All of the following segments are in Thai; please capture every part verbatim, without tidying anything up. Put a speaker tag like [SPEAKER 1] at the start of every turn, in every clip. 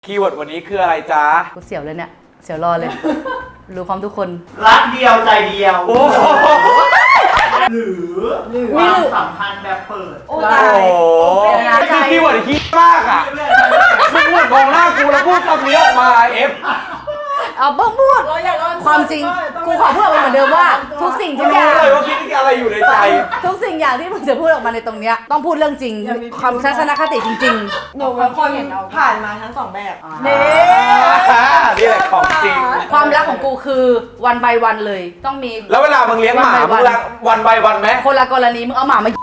[SPEAKER 1] คีย์เวิร์ดวันนี้คืออะไรจ๊ะ
[SPEAKER 2] กูเสียวเลยเนี่ยเสียวรอเลยรู้พร้อมทุกคน
[SPEAKER 3] รักเดียวใจเดียวหรือความสัมพันธ์แบบเปิด
[SPEAKER 1] โอ้โหคือคีย์เวิร์ดคิดมากอ่ะมึงพูดมองหน้ากูแล้วพูดคำนี้ออกมาเอฟ
[SPEAKER 2] เอาบ้องพูดความจริงกูขอพูดเหมือนเดิมว่าทุกสิ่งทุกอย่าง
[SPEAKER 1] รู้เลยว่าคิดอะไรอยู่ในใจ
[SPEAKER 2] ทุกสิ่งอย่างที่มึงจะพูดออกมาในตรงเนี้ยต้องพูดเรื่องจริงความทัศนคติจริง
[SPEAKER 4] ๆหนูเป็นคนผ่านมาทั้งสองแบบ
[SPEAKER 1] นี่นี่แหละของจริง
[SPEAKER 2] ความรักของกูคือวันใบวันเลยต้องมี
[SPEAKER 1] แล้วเวลามึงเลี้ยงหมามึงรักวันใบวันไหม
[SPEAKER 2] คนละกรณีมึงเอาหมามา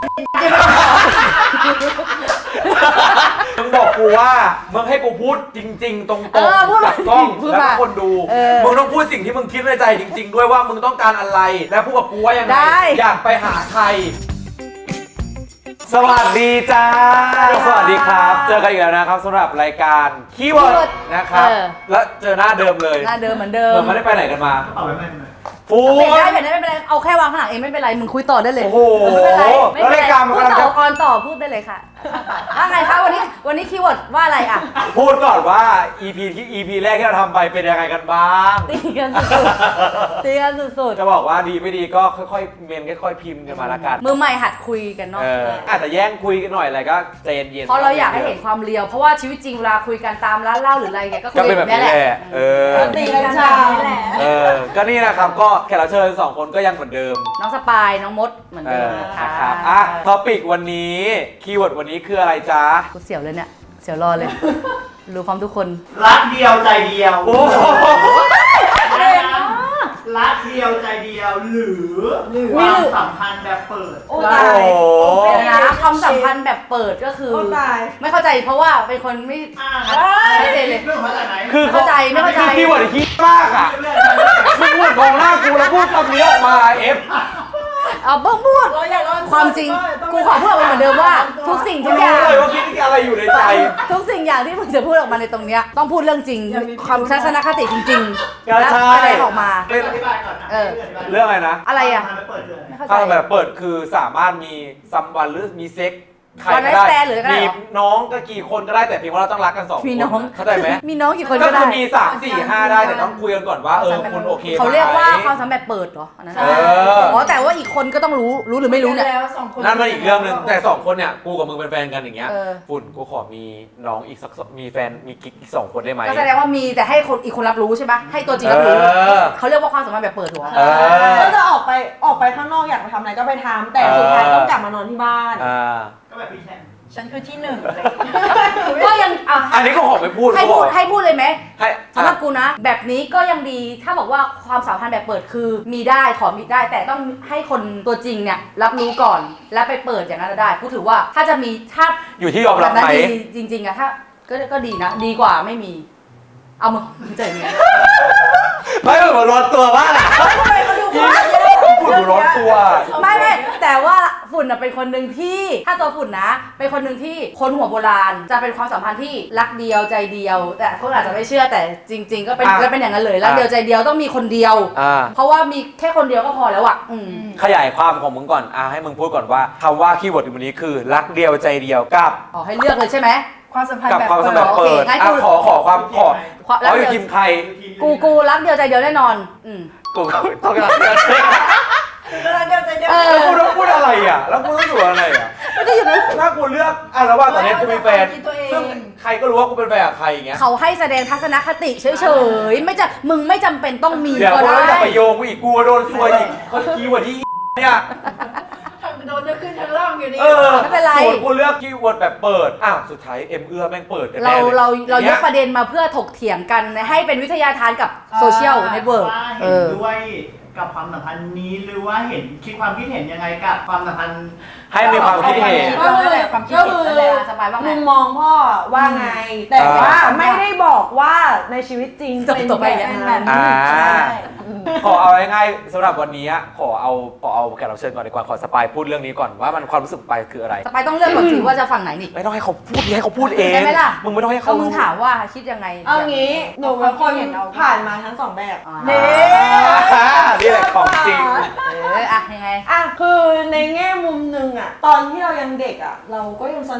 [SPEAKER 1] มึงบอกกูว่ามึงให้กูพูดจริงๆตรงๆกับกล้องแล้วก็คนดูมึงต้องพูดสิ่งที่มึงคิดในใจจริงๆด้วยว่ามึงต้องการอะไรและพูดกับกูว่ายังไงอยากไปหาใครสวัสดีจ้าสวัสดีครับเจอกันอีกแล้วนะครับสำหรับรายการคีย์เวิร์ดนะครับและเจอหน้าเดิมเลย
[SPEAKER 2] หน้าเดิมเหมือนเดิม
[SPEAKER 1] มึงไม่ได้ไปไหนกันมา
[SPEAKER 3] เอาไปไม่
[SPEAKER 1] ฟู
[SPEAKER 2] เปลี่ยนได้เปลี่ยนได้ไม่เป็นไรเอาแค่วางข้างหลังเองไม่เป็นไรมึงคุยต่อได้เลย
[SPEAKER 1] โอ้โหแล้วรายการมันกำลังจะ
[SPEAKER 2] ออนต่อพูดได้เลยค่ะว่าไงคะวันนี้วันนี้คีย์เวิร์ดว่าอะไรอ่ะ
[SPEAKER 1] พูดก่อนว่า อี พี ที่ อี พี แรกที่เราทำไปเป็นยังไงกันบ้าง
[SPEAKER 2] ตีกันสุดๆตีกันสุด
[SPEAKER 1] ๆจะบอกว่าดีไม่ดีก็ค่อยๆเมนค่อยๆพิมพ์กันมาละกัน
[SPEAKER 2] มือใหม่หัดคุยกันเนาะ
[SPEAKER 1] อาจจะแย่งคุยกันหน่อยอะไรก็ใจเย็นๆ
[SPEAKER 2] เพราะเราอยากให้เห็นความเรียวเพราะว่าชีวิตจริงเวลาคุยกันตามร้านเหล้าหรืออะไรเงี้ยก็คุยแบบนี้แหละ
[SPEAKER 1] เออ
[SPEAKER 4] ตีกันใช่แหละ
[SPEAKER 1] เออก็นี่นะครับก็แขกรับเชิญสองคนก็ยังเหมือนเดิม
[SPEAKER 2] น้องสปายน้องมดเหมือนเดิม
[SPEAKER 1] นะครับอ่ะท็อปิกวันนี้คีย์เวิร์ดวันนี้คืออะไรจ๊ะ
[SPEAKER 2] กูเสียวเลยเนี่ยเสียวรอเลยรู้พร้อมทุกคน
[SPEAKER 3] รักเดียวใจเดียวโอ้รักเดียวใจเดียวหรือความสัมพันธ์แบบเปิด
[SPEAKER 2] โอ้ตายนะความสัมพันธ์แบบเปิดก็คือไม่เข้าใจเพราะว่าเป็นคนไม่ชัดเจนเลย
[SPEAKER 1] คือ
[SPEAKER 2] เข้าใจไม่เข้าใจ
[SPEAKER 1] คือคีย์เวิร์ดคิดมากอ่ะมึงพูดมองหน้ากูแล้วพูดคำนี้ออกมาเอฟ
[SPEAKER 2] เอาบ้องพูดความจริงกูขอพูดเหมือนเดิมว่าทุกสิ่งทุกอย่าง
[SPEAKER 1] รู้เลยว่าคิดอะไรอยู่ในใจ
[SPEAKER 2] ทุกสิ่งอย่างที่มึงจะพูดออกมาในตรงเนี้ยต้องพูดเรื่องจริงความทัศนคติจริงๆแล้วแสดงออกมา
[SPEAKER 3] อธิบายก่อนนะ
[SPEAKER 1] เรื่องอะไรนะ
[SPEAKER 2] อะไรอ่ะ
[SPEAKER 1] ถ้าแบบเปิดคือสามารถมีซัมวันหรือมีเซ็กใครก็ได้มีน้องก็กี่คนก็ได้แต่เพียงว่าเราต้องรักกันสองคนเข้าใจไหม
[SPEAKER 2] มีน้องกี่คนก็
[SPEAKER 1] ได้ก็คือมีสามสี่ห้าได้แต่ต้องคุยกันก่อนว่าเออคุณโอเค
[SPEAKER 2] เขาเรียกว่าความสัมพันธ์เปิดเหรออันนั้นอ๋อแต่ว่าอีกคนก็ต้องรู้รู้หรือไม่รู้เนี่ย
[SPEAKER 1] นั่นมันอีกเรื่องนึงแต่สองคนเนี่ยกูกับมึงเป็นแฟนกันอย่างเงี้ยฝุ่นกูขอมีน้องอีกสักมีแฟนมีกิ๊กอีกสองคนได้ไหม
[SPEAKER 2] ก็แสดงว่ามีแต่ให้คนอีกคนรับรู้ใช่ปะให้ตัวจริงรับรู้เขาเรียกว่าความสัมพันธ์แบบเปิดหัว
[SPEAKER 4] ก็จะออกไปออกไปข้างนอกอยากไปทำอะไรก็ไปทำแต่สุดท้ายต้องกลับมานอนที่บ้าน
[SPEAKER 3] ก็แบบพี่แชมป์
[SPEAKER 4] ฉันคือที่หนึ่งเลย
[SPEAKER 2] ก็ยัง
[SPEAKER 1] อันนี้ก็ขอไม่พูด
[SPEAKER 2] ให้พูดให้พูดเลยไหมสำหรับกูนะแบบนี้ก็ยังดีถ้าบอกว่าความสัมพันธ์แบบเปิดคือมีได้ขอมีได้แต่ต้องให้คนตัวจริงเนี่ยรับรู้ก่อนแล้วไปเปิดอย่างนั้นได้กูถือว่าถ้าจะมีถ้า
[SPEAKER 1] อยู่ที่ยอมรับไหม
[SPEAKER 2] จริงๆอะถ้าก็ก็ดีนะดีกว่าไม่มีเอามึงใจเย็น
[SPEAKER 1] ไม่เหมือนร้อนตัวว่าล่ะฝุ่นร้อนตัว
[SPEAKER 2] ไม่ไม่แต่ว่าฝุ่นเป็นคนหนึ่งที่ถ้าตัวฝุ่นนะเป็นคนหนึ่งที่คนหัวโบราณจะเป็นความสัมพันธ์ที่รักเดียวใจเดียวแต่คนอาจจะไม่เชื่อแต่จริงๆก็เป็นก็เป็นอย่างนั้นเลยรักเดียวใจเดียวต้องมีคนเดียวเพราะว่ามีแค่คนเดียวก็พอแล้วอ่ะ
[SPEAKER 1] ขยายความของมึงก่อนอ่ะให้มึงพูดก่อนว่าคำว่าคีย์เวิร์ดวันนี้คือรักเดียวใจเดียวกับ
[SPEAKER 2] อ๋อให้เลือกเลยใช่ไหม
[SPEAKER 4] ความสัมพันธ์
[SPEAKER 1] แบบความสัมพันธ์เปิดอ่ะขอขอความขอเอาอยู่ทีมใคร
[SPEAKER 2] กูกูรักเดียวใจเดียวแน่นอนอืม
[SPEAKER 1] กูต้องรักเดียวใจ
[SPEAKER 4] เดียวใจเดียว
[SPEAKER 1] แล้วกูต้องพูดอะไรอ่ะแล้วกูต้องอยู่อะไรอ่ะ
[SPEAKER 2] ไม่ได้อยู่นะ
[SPEAKER 1] ถ้ากูเลือกอ่ะแล้วว่าตอนนี้กูมีแฟนซึ่งใครก็รู้ว่ากูเป็นแฟนกับใครอย่างเงี้ย
[SPEAKER 2] เขาให้แสดงทัศนคติเฉยๆไม่จะมึงไม่จำเป็นต้องมี
[SPEAKER 1] ก็ได้เดี๋ยวกูจะไปโยงกูอีกกูโดนซวยอีกเขาคีย์เวิร์ดที่เนี่ย
[SPEAKER 4] โดนจะขึ้นชั้นล่างอยู่นี่
[SPEAKER 2] ไม่เป็นไร
[SPEAKER 1] ส่วนกูเลือกคีย์เวิร์ดแบบเปิดอ้าวสุดท้ายเอ็มเอื้อแม่งเปิดกันแน่
[SPEAKER 2] เลยเราเราเรายกประเด็นมาเพื่อถกเถียงกันให้เป็นวิทยาทานกับโซเชียลเน็ตเวิร์ก
[SPEAKER 3] เห็นด้วยกับความสัมพันธ์นี้หรือว่าเห็นคิดความคิดเห็นยังไงกับความสัมพันธ์
[SPEAKER 1] ให้มีความคิดเห็น
[SPEAKER 4] ก็คือความคิดเห็นนั่นแหละสบายว่ามุมมองพ่อว่าไงแต่ว่าไม่ได้บอกว่าในชีวิตจริงเป็นแบบนั้น
[SPEAKER 1] ขอเอาง่ายๆสำหรับวันนี้ขอเอาขอเอาแขกรับเชิญก่อนดีกว่าขอสปายพูดเรื่องนี้ก่อนว่ามันความรู้สึกไปคืออะไร
[SPEAKER 2] สปายต้องเลือกก่อนสิว่าจะฝั่งไหนนี่
[SPEAKER 1] ไม่ต้องให้เขาพูดให้เขาพูดเอง
[SPEAKER 2] ได้ไหมล่ะ
[SPEAKER 1] มึงไม่ต้องให้เขา
[SPEAKER 2] มึงถามว่าคิดยังไง
[SPEAKER 4] เอางี้หนูเป็นคนผ่านมาทั้งสองแบบ
[SPEAKER 1] นี่นี่แหละของจริง
[SPEAKER 2] เอออะยังไง
[SPEAKER 4] อ่ะคือในแง่มุมหนึ่งอ่ะตอนที่เรายังเด็กอ่ะเราก็ยังสนุก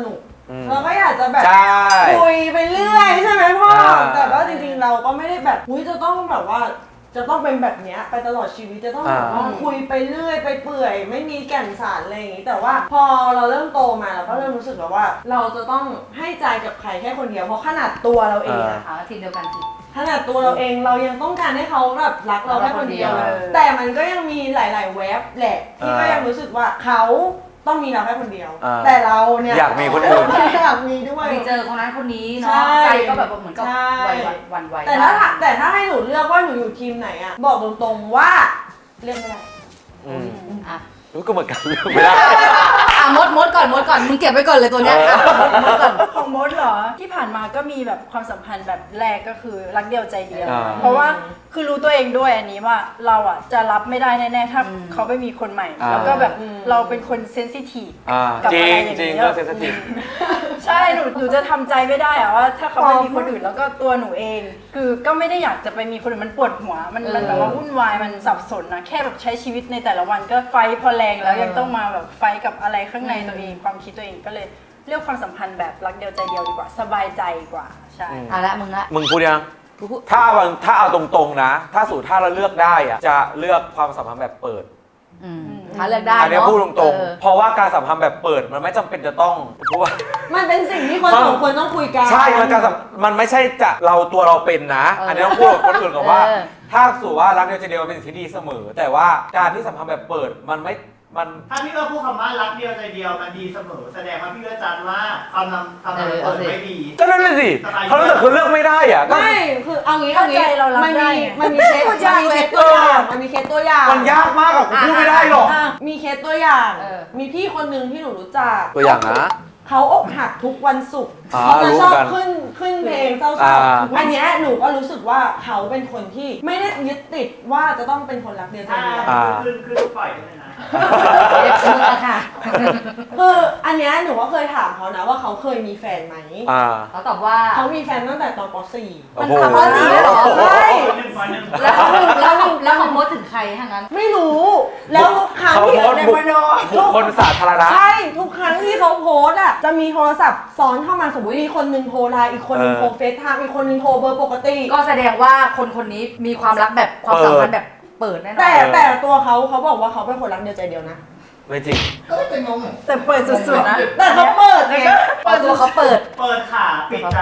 [SPEAKER 4] เราก็อยากจะแบบ
[SPEAKER 1] ใช่
[SPEAKER 4] คุยไปเรื่อยใช่ไหมพ่อ
[SPEAKER 1] อ่า
[SPEAKER 4] แต่ว่าจริงๆเราก็ไม่ได้แบบอุ้ยจะต้องแบบว่าจะต้องเป็นแบบเนี้ยไปตลอดชีวิตจะต้องแบบว่าคุยไปเรื่อยไปเปื่อยไม่มีแก่นสารอะไรอย่างงี้แต่ว่าพอเราเริ่มโตมาเราก็เริ่มรู้สึกแล้วว่า เราจะต้องให้ใจกับใครแค่คนเดียวเพราะขนาดตัวเราเองอะ
[SPEAKER 2] หาทีมเดียวกันสิ
[SPEAKER 4] ขนาดตัวเราเองเรายังต้องการให้เขาแบบรักเราแค่คนเดียวเลยแต่มันก็ยังมีหลาย ๆ เว็บแหละที่ก็ยังรู้สึกว่าเขาต้องมีเราแค่คนเดียว แต่เราเนี่ย
[SPEAKER 1] อยากมีคนอื่น
[SPEAKER 4] อยากมีด้วย
[SPEAKER 2] ไปเจอคนนั้นคนนี้เนาะ
[SPEAKER 4] ใช่
[SPEAKER 2] ใจก็แบบเหมือนกับ
[SPEAKER 4] ใช่
[SPEAKER 2] หวันไหว
[SPEAKER 4] แต่ถ้าแต่ถ้าให้หนูเลือกว่าหนูอยู่ทีมไหนอะบอกตรงๆว่าเลือกไม่ได้
[SPEAKER 1] อืม
[SPEAKER 2] อ่ะ
[SPEAKER 1] รู้ก็เหมือนกันเลือกไม่ได้
[SPEAKER 2] อ่ะมดมดก่อนมดก่อนมึงเก็บไว้ก่อนเลยตัวเนี้ยอ่ะมดมดก่อน
[SPEAKER 5] ของมดเหรอที่ผ่านมาก็มีแบบความสัมพันธ์แบบแรกก็คือรักเดียวใจเดียว
[SPEAKER 1] อ่า
[SPEAKER 5] เพราะว่าคือรู้ตัวเองด้วยอันนี้ว่าเราอ่ะจะรับไม่ได้แน่ๆถ้า
[SPEAKER 2] อืม
[SPEAKER 5] เขาไปมีคนใหม่
[SPEAKER 1] อ่า
[SPEAKER 5] แล้วก็แบบ
[SPEAKER 4] อืม
[SPEAKER 5] เราเป็นคนเซนซิทีฟ
[SPEAKER 1] อ่า
[SPEAKER 5] กับ
[SPEAKER 1] จริ
[SPEAKER 5] อะไร
[SPEAKER 1] ง
[SPEAKER 5] อย่าง
[SPEAKER 1] จริง
[SPEAKER 5] เงี้ย
[SPEAKER 1] เรื่องเซนซิทีฟ
[SPEAKER 5] ใช่หนูหนูจะทำใจไม่ได้อะว่าถ้าเขาไปมีคนอื่นแล้วก็ตัวหนูเอง คือก็ไม่ได้อยากจะไปมีคนอื่นมันปวดหัว มันมันแบบว่าวุ่นวายมันสับสนนะแค่แบบใช้ชีวิตในแต่ละวันก็ไฟพอแรงแล้วยังต้องมาแบบไฟกับอะไรข้างในตัวเองความคิดตัวเองก็เลยเลือกความสัมพันธ์แบบรักเดียวใจเดียวดีกว่าสบายใจกว่าใช่
[SPEAKER 2] อ่ะละมึงละ
[SPEAKER 1] มึงพูดยัง
[SPEAKER 2] กูพูด
[SPEAKER 1] ถ้าเอาถ้าเอาตรงๆนะ ถ้าสูตรถ้าเราเลือกได้อะจะเลือกความสัมพันธ์แบบเปิด
[SPEAKER 2] อืมถ้าเลือกได้
[SPEAKER 1] อันนี้
[SPEAKER 2] เนาะ
[SPEAKER 1] พูดตรง
[SPEAKER 2] เออ
[SPEAKER 1] ๆ เพราะว่าการสัมพันธ์แบบเปิดมันไม่จำเป็นจะต้องเพราะว่า
[SPEAKER 4] มันเป็นสิ่งที่คนสองคนต้องคุยกัน
[SPEAKER 1] ใช่ มันการสัมมันไม่ใช่จะเราตัวเราเป็นนะ
[SPEAKER 2] เอออั
[SPEAKER 1] อันนี้ต้องพูดกับคนอื่นก่อนว่า
[SPEAKER 2] เออ
[SPEAKER 1] ถ้าสูตรว่ารักเดียวใจเดียวมันเป็นสิ่งที่ดีเสมอ แต่ว่าการที่สัมพันธ์แบบเปิดมันไม่ มัน
[SPEAKER 3] ถ้าพี่ก็พูดคำว่ารักเดียวใจเดียวมันดีเสมอ แสดงว่าพี่ก็จัดว่าความนำความนำเปิดไม่ดี
[SPEAKER 1] ก็นั่นน่ะสิเขารู้สึกคือเลือกไม่ได้อ่ะก็
[SPEAKER 4] ไม่คือเอางี้เอางี้
[SPEAKER 5] เข้าใจเรารับ
[SPEAKER 4] มัน
[SPEAKER 5] ได้
[SPEAKER 4] มี
[SPEAKER 5] ไง
[SPEAKER 4] มันมีเคส
[SPEAKER 2] พูดยาก
[SPEAKER 4] มันมี
[SPEAKER 2] เลย
[SPEAKER 4] เคสตัวอย่างมันมีเคสตัวอย่าง
[SPEAKER 1] มันยากมากอะผมพูดไม่ได้หรอก
[SPEAKER 4] อ่ะมีเคสตัวอย่าง
[SPEAKER 2] เออ
[SPEAKER 4] มีพี่คนหนึ่งที่หนูรู้จัก
[SPEAKER 1] ตัวอย่างนะ
[SPEAKER 4] เขาอกหักทุกวันศุกร์
[SPEAKER 1] อ่า
[SPEAKER 4] เขาจะชอบ
[SPEAKER 1] รู้กัน
[SPEAKER 4] ขึ้นขึ้นเพลงเศร้า
[SPEAKER 1] อ่า
[SPEAKER 4] ๆอันเนี้ยหนูก็รู้สึกว่าเขาเป็นคนที่ไม่ได้ยึดติดว่าจะต้องเป็นคนรักเดียวใจ
[SPEAKER 3] ถ้า
[SPEAKER 4] เดียว
[SPEAKER 1] อ่า
[SPEAKER 3] ขึ้นขึ้นปล่อยได้เลยนะ
[SPEAKER 2] เรียกมึงอะค่ะ
[SPEAKER 4] คืออันเนี้ยหนูก็เคยถามเขานะว่าเขาเคยมีแฟนไหม
[SPEAKER 1] อ่า
[SPEAKER 2] เขาตอบว่า
[SPEAKER 4] เขามีแฟนตั้งแต่ตอนป .สี่
[SPEAKER 1] โอ้โห
[SPEAKER 2] มันทำอะไรเหรอ
[SPEAKER 4] ใช่
[SPEAKER 3] หนึ่งวันหนึ่ง
[SPEAKER 2] แล้วเขาแล้วเขาแล้วเขาโพสต์ถึงใครทั้งนั้น
[SPEAKER 4] ไม่รู้ แล้วทุกครั้ง
[SPEAKER 1] เขา
[SPEAKER 4] ที่
[SPEAKER 1] โพสต์
[SPEAKER 4] ใน
[SPEAKER 1] บุค
[SPEAKER 4] มโน
[SPEAKER 1] บุคคลสาธารณะ
[SPEAKER 4] ใช่ ทุกครั้งที่เขาโพสต์อ่ะจะมีโทรศัพท์ซ้อนเข้ามาสมมติมีคนหนึ่งโทรไลน์อีกคนหนึ่ง
[SPEAKER 1] เออ
[SPEAKER 4] โทรเฟซไทม์อีกคนหนึ่งโทรเบอร์ปกติ
[SPEAKER 2] ก็แสดงว่าคนคนนี้มีความรักแบบความสัมพันธ์แบบเปิดแน่นอน
[SPEAKER 4] แต่แต่ตัวเขาเขาบอกว่าเขาเป็นคนรักเดียวใจเดียวนะ
[SPEAKER 1] ไม่จริง
[SPEAKER 3] ก็จะงง
[SPEAKER 5] แต่เปิดสุดๆนะ
[SPEAKER 4] แต่เขาเปิดไง
[SPEAKER 2] เอาตัวเขาเปิด
[SPEAKER 3] เปิดขาปิดใจ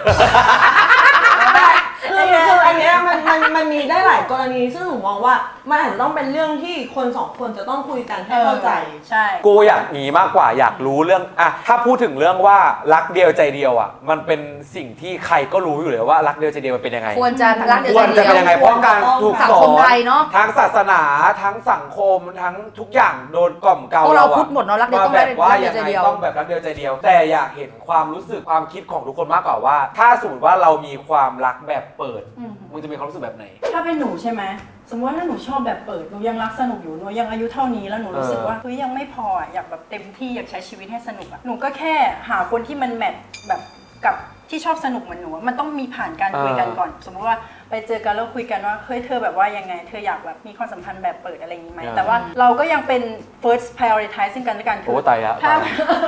[SPEAKER 4] แต่คือคืออันเนี้ยมันมันมันมีได้หลายกรณีซึ่งหนูมองว่ามันอาจจะต้องเป็นเรื่องที่คนสองคนจะต้องคุยกันให้เข้าใจ
[SPEAKER 5] ใช่
[SPEAKER 1] กูอยากหนีมากกว่าอยากรู้เรื่องอะถ้าพูดถึงเรื่องว่ารักเดียวใจเดียวอะมันเป็นสิ่งที่ใครก็รู้อยู่เลยว่ารักเดียวใจเดียวมันเป็นยังไง
[SPEAKER 2] ควรจะรักเดียว
[SPEAKER 1] คว
[SPEAKER 2] ใจ
[SPEAKER 1] ร
[SPEAKER 2] เดี
[SPEAKER 1] จะ
[SPEAKER 2] ยว
[SPEAKER 1] เป็นยังไงเพราะการถูก
[SPEAKER 2] สัง
[SPEAKER 1] สอ
[SPEAKER 2] คม
[SPEAKER 1] น
[SPEAKER 2] ไทยเนาะ
[SPEAKER 1] ทั้งศาสนาทั้งสังคมทั้งทุกอย่างโดนกล่อมเกลา
[SPEAKER 2] พวกเรา
[SPEAKER 1] อะ
[SPEAKER 2] พูดหมดเนาะรักเดียวต้อง
[SPEAKER 1] แบ
[SPEAKER 2] ได้
[SPEAKER 1] บว่า
[SPEAKER 2] รักเดี
[SPEAKER 1] ยั
[SPEAKER 2] ยว
[SPEAKER 1] ง
[SPEAKER 2] ใจ
[SPEAKER 1] ไง
[SPEAKER 2] เดียว
[SPEAKER 1] ต้องแบบรักเดียวใจเดียว แต่อยากเห็นความรู้สึกความคิดของทุกคนมากกว่าว่า ถ้าสมมติว่าเรามีความรักแบบเปิด
[SPEAKER 5] อืม
[SPEAKER 1] มึงจะมีความรู้สึกแบบไหน
[SPEAKER 5] ถ้าเป็นหนูใช่ไหมสมมติว่าถ้าหนูชอบแบบเปิดหนูยังรักสนุกอยู่หนูยังอายุเท่านี้แล้วหนูรู้สึกว่าเฮ้ยยังไม่พออะอยากแบบเต็มที่อยากใช้ชีวิตให้สนุกอะหนูก็แค่หาคนที่มันแมทแบบกับที่ชอบสนุกเหมือนหนูอะมันต้องมีผ่านการคุยกันก่อน สมมติว่าไปเจอกันแล้วคุยกันว่าเฮ้ยเธอแบบว่ายังไงเธออยากแบบมีความสัมพันธ์แบบเปิดอะไรอย่างนี้ไหม
[SPEAKER 1] อ่า
[SPEAKER 5] แต่ว่าเราก็ยังเป็น first prioritize ซึ่งกันและกันคื
[SPEAKER 1] โอ้ตายละ
[SPEAKER 5] ถ้า
[SPEAKER 1] ตายละ